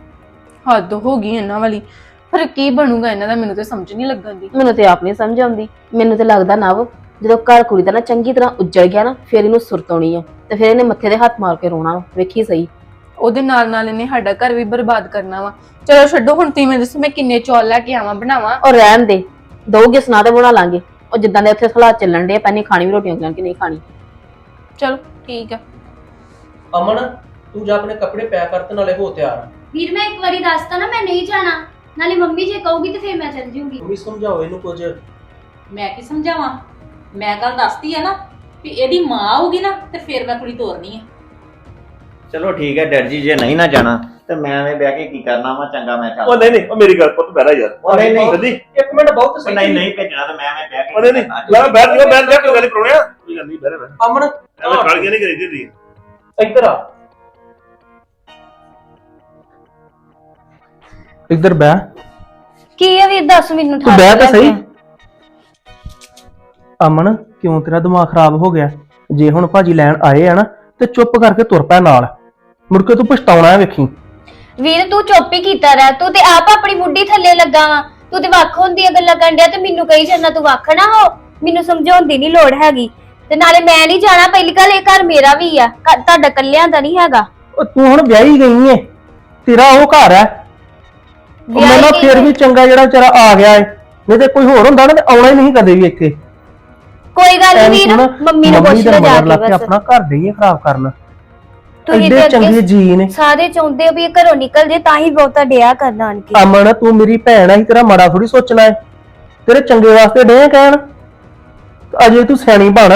Speaker 8: ਹੱਦ ਹੋ ਗਈ ਇਹਨਾਂ ਵਾਲੀ। ਪਰ ਕੀ ਬਣੂਗਾ ਇਹਨਾਂ ਦਾ, ਮੈਨੂੰ ਤੇ ਸਮਝ ਨਹੀਂ ਲੱਗਣ ਦੀ।
Speaker 4: ਮੈਨੂੰ ਤੇ ਆਪ ਨਹੀਂ ਸਮਝ ਆਉਂਦੀ। ਮੈਨੂੰ ਤੇ ਲੱਗਦਾ ਨਾ ਜਦੋਂ ਘਰ ਕੁੜੀ ਦਾ ਨਾ ਚੰਗੀ ਤਰ੍ਹਾਂ ਉੱਜੜ ਗਿਆ ਨਾ, ਫਿਰ ਇਹਨੂੰ ਸੁਰਤ ਆਉਣੀ ਆ ਤੇ ਫਿਰ ਇਹਨੇ ਮੱਥੇ ਦੇ ਹੱਥ ਮਾਰ ਕੇ ਰੋਣਾ ਵਾ। ਵੇਖੀ ਸਹੀ,
Speaker 8: ਉਹਦੇ ਨਾਲ ਨਾਲ ਇਹਨੇ ਸਾਡਾ ਘਰ ਵੀ ਬਰਬਾਦ ਕਰਨਾ ਵਾ। ਚਲੋ ਛੱਡੋ ਹੁਣ, ਤੁਸੀਂ ਮੈਨੂੰ ਦੱਸੋ ਮੈਂ ਕਿੰਨੇ ਚੌਲ ਲੈ ਕੇ ਆਵਾਂ, ਬਣਾਵਾਂ?
Speaker 4: ਔਰ ਰਹਿਣ ਦੇ, ਦਊਗੇ ਸੁਣਾ ਤੇ ਬਣਾ ਲਾਂਗੇ। ਉਹ ਜਿੱਦਾਂ ਦੇ ਉੱਥੇ ਹਾਲਾਤ ਚੱਲਣ ਦੇ, ਪੈਣੀ ਖਾਣੀ ਵੀ ਰੋਟੀਆਂ ਕਿ ਨਹੀਂ ਖਾਣੀ।
Speaker 8: ਚਲੋ ਠੀਕ ਆ।
Speaker 7: ਅਮਨ ਤੂੰ ਜਾ ਆਪਣੇ ਕੱਪੜੇ ਪੈਕ ਕਰ ਤੇ ਨਾਲੇ ਹੋ ਤਿਆਰ।
Speaker 5: ਵੀਰ ਮੈਂ ਇੱਕ ਵਾਰੀ ਦੱਸਤਾ ਨਾ ਮੈਂ ਨਹੀਂ ਜਾਣਾ, ਨਾਲੇ ਮੰਮੀ ਜੇ ਕਹੂਗੀ ਤੇ ਫਿਰ ਮੈਂ ਚੱਲ ਜੂਗੀ।
Speaker 7: ਮੰਮੀ ਸਮਝਾਓ ਇਹਨੂੰ ਕੁਝ।
Speaker 6: ਮੈਂ ਕੀ ਸਮਝਾਵਾਂ? ਮੈਂ ਗੱਲ ਦੱਸਦੀ ਆ ਨਾ ਵੀ ਇਹਦੀ ਮਾਂ ਆਊਗੀ ਨਾ ਤੇ ਫਿਰ ਮੈਂ ਕੁੜੀ ਤੋਰਨੀ ਆ।
Speaker 1: ਚਲੋ ਠੀਕ ਹੈ ਡੈਡ ਜੀ, ਜੇ ਨਹੀਂ ਨਾ ਜਾਣਾ ਤੇ ਮੈਂ ਐਵੇਂ ਬਹਿ ਕੇ ਕੀ ਕਰਨਾ ਵਾ। ਚੰਗਾ ਮੈਂ
Speaker 3: ਉਹ
Speaker 1: ਚੱਲ।
Speaker 3: ਨਹੀਂ ਨਹੀਂ, ਉਹ ਮੇਰੀ ਗੱਲ ਪੁੱਤ ਬਹਿਰਾ ਯਾਰ।
Speaker 1: ਉਹ ਨਹੀਂ ਨਹੀਂ
Speaker 3: ਸੱਦੀ
Speaker 7: ਇੱਕ ਮਿੰਟ ਬਹੁਤ ਸਹੀ।
Speaker 1: ਨਹੀਂ ਨਹੀਂ ਭੇਜਣਾ ਤਾਂ ਮੈਂ ਐਵੇਂ ਬਹਿ ਕੇ
Speaker 3: ਉਹ ਨਹੀਂ ਨਹੀਂ, ਮੈਂ ਬੈਠ ਜਾ ਬੈਠ ਜਾ, ਕੋਈ ਗੱਲ ਨਹੀਂ ਪਰੋਣਿਆ, ਕੋਈ ਗੱਲ ਨਹੀਂ ਬਹਿਰਾ ਬਹਿ।
Speaker 7: ਅਮਨ
Speaker 3: ਐਵੇਂ ਕਾਲੀਆਂ ਨਹੀਂ ਕਰੀਦੀ ਹੁੰਦੀ।
Speaker 7: ਇੱਧਰ ਆ, ਇੱਧਰ ਬਹਿ।
Speaker 5: ਕੀ ਹੈ ਵੀਰ ਦੱਸ ਮੈਨੂੰ?
Speaker 7: ਤੂੰ ਬਹਿ ਤਾਂ ਸਹੀ। ਅਮਨ ਕਿਉਂ ਤੇਰਾ ਦਿਮਾਗ ਖਰਾਬ ਹੋ ਗਿਆ? ਜੇ ਹੁਣ ਭਾਜੀ ਲੈਣ ਆਏ ਆ ਨਾ ਤੇ ਚੁੱਪ ਕਰਕੇ ਤੁਰ ਪੈ ਨਾਲ, ਮੁੜ ਕੇ ਤੂੰ ਪਛਤਾਉਣਾ ਹੈ ਵੇਖੀ।
Speaker 5: ਵੀਰ ਤੂੰ ਚੁੱਪ ਹੀ ਕੀਤਾ ਰਹਿ, ਤੂੰ ਤੇ ਆਪ ਆਪਣੀ ਮੁੱਢੀ ਥੱਲੇ ਲੱਗਾ ਵਾ। ਤੂੰ ਤੇ ਵੱਖ ਹੁੰਦੀਆਂ ਗੱਲਾਂ ਕਰਨ ਡਿਆ ਤੇ ਮੈਨੂੰ ਕਹੀ ਜਾਂਦਾ ਤੂੰ ਵੱਖ ਨਾ ਹੋ। ਮੈਨੂੰ ਸਮਝਾਉਣ ਦੀ ਨਹੀਂ ਲੋੜ ਹੈਗੀ। ਤੇ ਨਾਲੇ ਮੈਂ ਨਹੀਂ ਜਾਣਾ, ਪਹਿਲੀ ਗੱਲ ਇਹ ਘਰ ਮੇਰਾ ਵੀ ਆ, ਤੁਹਾਡਾ ਕੱਲਿਆਂ ਦਾ ਨਹੀਂ ਹੈਗਾ।
Speaker 7: ਉਹ ਤੂੰ ਹੁਣ ਵਿਆਹੀ ਗਈ ਏ, ਤੇਰਾ ਉਹ ਘਰ ਹੈ। ਮੈਨੂੰ ਫਿਰ ਵੀ ਚੰਗਾ ਜਿਹੜਾ ਵਿਚਾਰਾ ਆ ਗਿਆ ਏ, ਨਹੀਂ ਤੇ ਕੋਈ ਹੋਰ ਹੁੰਦਾ ਨਾ ਤੇ ਆਉਣਾ ਹੀ ਨਹੀਂ ਕਦੇ ਵੀ ਇੱਥੇ।
Speaker 5: ਕੋਈ ਗੱਲ
Speaker 7: ਐਵੇਂ
Speaker 5: ਨਹੀਂ ਵੀਰ,
Speaker 7: ਨਾ
Speaker 5: ਮੰਮੀ ਨੂੰ ਪੁੱਛ
Speaker 7: ਦੇ
Speaker 5: ਲੈ ਜਾ
Speaker 7: ਮਗਰ
Speaker 5: ਕੇ
Speaker 7: ਲੱਗ ਕੇ
Speaker 5: ਬਸ।
Speaker 7: ਆਪਣਾ ਘਰ ਨਹੀਂ ਖਰਾਬ ਕਰਨਾ।
Speaker 5: ਤੁਸੀਂ
Speaker 7: ਐਡੇ
Speaker 5: ਤੇ
Speaker 7: ਚੰਗੇ
Speaker 5: ਅੱਗੇ
Speaker 7: ਜੀ ਨੇ।
Speaker 5: ਸਾਰੇ ਚਾਹੁੰਦੇ ਹੋ ਵੀ ਇਹ ਘਰੋਂ ਨਿਕਲ ਜੇ ਤਾਂ ਹੀ ਬਹੁਤਾ ਡਿਆ ਕਰਨਾ ਆਣ ਕੇ।
Speaker 7: ਅਮਨ ਤੂੰ ਮੇਰੀ ਭੈਣ ਆ, ਹੀ ਤੇਰਾ ਮਾੜਾ ਥੋੜੀ ਸੋਚਣਾ ਏ, ਤੇਰੇ ਚੰਗੇ ਵਾਸਤੇ ਡੇ ਕਹਿਣ। ਅਜੇ ਤੂੰ ਸਿਆਣੀ ਬਣ।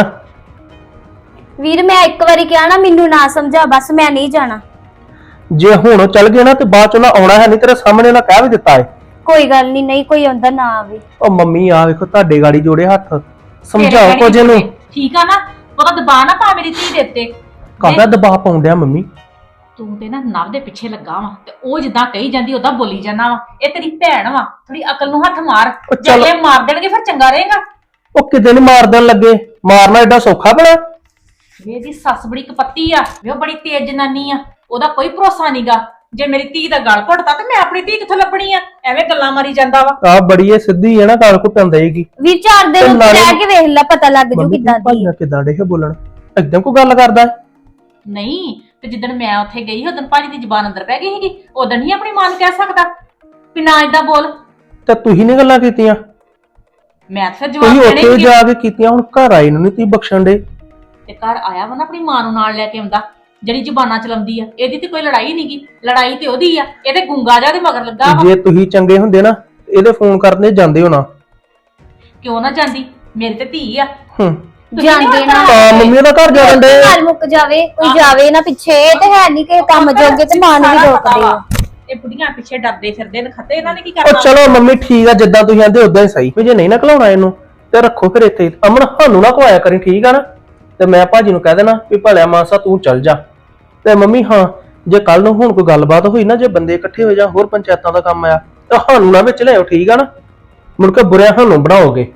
Speaker 5: ਵੀਰ ਮੈਂ ਇੱਕ ਵਾਰੀ ਕਿਹਾ ਨਾ, ਮੈਨੂੰ ਨਾ ਸਮਝਾ, ਬਸ ਮੈਂ ਨਹੀਂ ਜਾਣਾ।
Speaker 7: ਜੇ ਹੁਣ ਉਹ ਚੱਲ ਗਏ ਨਾ ਤੇ ਬਾਅਦ ਚ ਉਹਨਾਂ ਆਉਣਾ ਹੈ ਨਹੀਂ, ਤੇਰੇ ਸਾਹਮਣੇ ਉਹਨਾਂ ਕਹਿ ਵੀ ਦਿੱਤਾ ਏ।
Speaker 5: ਕੋਈ ਗੱਲ ਨਹੀਂ, ਨਹੀਂ ਕੋਈ ਆਉਂਦਾ ਨਾ ਆਵੇ।
Speaker 7: ਉਹ ਮੰਮੀ ਆ ਵੇਖੋ ਤੁਹਾਡੇ ਗਾੜੀ ਜੋੜੇ ਹੱਥ,
Speaker 6: ਤੇਰੇ
Speaker 7: ਸਮਝਾਓ
Speaker 6: ਕਹਿਣੇ
Speaker 7: ਕੁਝ ਇਹਨੂੰ।
Speaker 6: ਠੀਕ ਆ ਨਾ, ਉਹਦਾ ਦਬਾਅ ਨਾ ਪਾ ਮੇਰੀ ਧੀ ਦੇ ਉੱਤੇ।
Speaker 7: ਕਾਹਦਾ ਦਬਾਅ ਪਾਉਂਦਿਆ ਮੰਮੀ?
Speaker 6: ਤੂੰ ਤੇ ਨਾ ਨਵ ਦੇ ਪਿੱਛੇ ਲੱਗਾ ਵਾ ਤੇ ਉਹ ਜਿੱਦਾਂ ਕਹੀ ਜਾਂਦੀ ਉਦਾਂ ਬੋਲੀ ਜਾਂਦਾ ਵਾ। ਇਹ ਤੇਰੀ ਭੈਣ ਵਾ, ਥੋੜੀ ਅਕਲ ਨੂੰ ਹੱਥ ਮਾਰ।
Speaker 7: ਉਹ ਚੱਲ-
Speaker 6: ਜੇ ਇਹ ਮਾਰ ਦੇਣਗੇ ਫਿਰ ਚੰਗਾ ਰਹੇਗਾ।
Speaker 7: ਉਹ ਕਿਤੇ ਨੀ ਮਾਰ ਦੇਣ ਲੱਗੇ, ਮਾਰਨਾ ਏਡਾ ਸੌਖਾ ਬਣਾ।
Speaker 6: ਵੇ ਇਹਦੀ ਸੱਸ ਬੜੀ ਕਪੱਤੀ ਆ, ਵੇ ਉਹ ਬੜੀ ਤੇਜ਼ ਜਨਾਨੀ ਆ, ਉਹਦਾ ਕੋਈ ਭਰੋਸਾ ਨਹੀਂਗਾ। ਜੇ ਮੇਰੀ ਧੀ ਦਾ ਗਲ ਘੁੱਟਦਾ ਤੇ ਮੈਂ ਆਪਣੀ ਧੀ ਕਿੱਥੋਂ ਲੱਭਣੀ ਆ? ਐਵੇਂ ਗੱਲਾਂ ਮਾਰੀ ਜਾਂਦਾ ਵਾ।
Speaker 7: ਆ ਬੜੀ ਇਹ ਸਿੱਧੀ ਹੈ ਨਾ, ਗੱਲ ਘੁੱਟਣ ਦੇਗੀ।
Speaker 5: ਵੀਰ 4 ਦਿਨ ਉੱਤੇ
Speaker 7: ਨਾਲੇ-
Speaker 5: ਰਹਿ ਕੇ ਵੇਖ ਲੈ, ਪਤਾ ਲੱਗ ਜੂ
Speaker 7: ਮੰਮੀ
Speaker 5: ਕਿੱਦਾਂ ਦੀ
Speaker 7: ਭਾਈਆਂ ਕਿੱਦਾਂ ਡੇ ਬੋਲਣ, ਏਦਾਂ ਕੋਈ ਗੱਲ ਕਰਦਾ ਹੈ?
Speaker 6: ਨਹੀਂ ਤੇ ਜਿੱਦਣ ਮੈਂ ਉੱਥੇ ਗਈ ਉਦੋਂ ਭਾਜੀ ਦੀ ਜ਼ਬਾਨ ਅੰਦਰ ਪੈ ਗਈ ਸੀਗੀ, ਉਦੋਂ ਨਹੀਂ ਆਪਣੀ ਮਾਂ ਨੂੰ ਕਹਿ ਸਕਦਾ ਵੀ ਨਾ ਏਦਾਂ ਬੋਲ।
Speaker 7: ਤੇ ਤੁਸੀਂ ਨੇ ਗੱਲਾਂ ਕੀਤੀਆਂ,
Speaker 6: ਮੈਂ ਤਾਂ ਫਿਰ ਜਵਾਬ
Speaker 7: ਤੁਸੀਂ
Speaker 6: ਦੇਣੇ
Speaker 7: ਉੱਥੇ
Speaker 6: ਸੀਗੇ।
Speaker 7: ਜਾ ਕੇ ਕੀਤੀਆਂ, ਹੁਣ ਘਰ ਆਏ ਨੂੰ ਨਹੀਂ ਤੁਸੀਂ ਬਖਸ਼ਣ ਦੇ।
Speaker 6: ਤੇ ਘਰ ਆਇਆ ਵਾ ਨਾ ਆਪਣੀ ਮਾਂ ਨੂੰ ਨਾਲ ਲੈ ਕੇ ਆਉਂਦਾ, ਜਿਹੜੀ ਜ਼ਬਾਨਾਂ ਚਲਾਉਂਦੀ ਆ। ਇਹਦੀ ਤੇ ਕੋਈ ਲੜਾਈ ਨਹੀਂਗੀ, ਲੜਾਈ ਤੇ ਉਹਦੀ ਆ। ਇਹਦੇ ਗੁੰਗਾ ਜਾ ਦੇ ਮਗਰ ਲੱਗਾ ਵਾ।
Speaker 7: ਜੇ ਤੁਸੀਂ ਚੰਗੇ ਹੁੰਦੇ ਨਾ ਇਹਦੇ ਫੋਨ ਕਰਦੇ ਜਾਂਦੇ ਹੋ ਨਾ।
Speaker 6: ਕਿਉਂ ਨਾ ਜਾਂਦੀ, ਮੇਰੀ ਤੇ ਧੀ ਆ।
Speaker 7: ਹੂੰ
Speaker 5: ਜਾਂਦੇ ਨਾ
Speaker 7: ਆ ਮੰਮੀ ਦਾ ਘਰ ਜਾਣ ਦੇ।
Speaker 5: ਨਾਲ ਮੁੱਕ ਜਾਵੇ, ਕੋਈ ਜਾਵੇ ਨਾ ਪਿੱਛੇ। ਇਹ ਤੇ ਹੈ ਨਹੀਂ ਕਿ ਕੰਮ ਜੋਗੇ ਤੇ ਮਾਂ ਨੂੰ ਵੀ ਰੋਕਦੇ ਆ।
Speaker 6: ਇਹ ਬੁੱਢੀਆਂ ਪਿੱਛੇ ਡਰਦੇ ਫਿਰਦੇ ਨੇ, ਖੱਤੇ ਇਹਨਾਂ ਨੇ ਕੀ
Speaker 7: ਉਹ
Speaker 6: ਕਰਨਾ?
Speaker 7: ਚਲੋ ਮੰਮੀ ਠੀਕ ਆ, ਜਿੱਦਾਂ ਤੁਸੀਂ ਆਂਦੇ ਉਦਾਂ ਹੀ ਸਹੀ। ਵੀ ਜੇ ਨਹੀਂ ਨਾ ਘਲਾਉਣਾ ਇਹਨੂੰ ਤੇ ਰੱਖੋ ਫਿਰ ਇੱਥੇ। ਅਮਨ ਸਾਨੂੰ ਨਾ ਖਵਾਇਆ ਕਰੀ, ਠੀਕ ਆ ਨਾ? ਤੇ ਮੈਂ ਭਾਜੀ ਨੂੰ ਕਹਿ ਦੇਣਾ ਵੀ ਭਲਿਆ ਮਾਨਸਾ ਤੂੰ ਚੱਲ ਜਾ। ਤੇ ਮੰਮੀ ਹਾਂ, ਜੇ ਕੱਲ ਨੂੰ ਹੁਣ ਕੋਈ ਗੱਲਬਾਤ ਹੋਈ ਨਾ, ਜੇ ਬੰਦੇ ਇਕੱਠੇ ਹੋ ਜਾ, ਹੋਰ ਪੰਚਾਇਤਾਂ ਦਾ ਕੰਮ ਆਇਆ ਤਾਂ ਸਾਨੂੰ ਨਾ ਵਿੱਚ ਲਿਆਓ, ਠੀਕ ਆ ਨਾ? ਮੁੜ ਕੇ ਬੁਰਿਆਂ ਸਾਨੂੰ ਬਣਾਓਗੇ।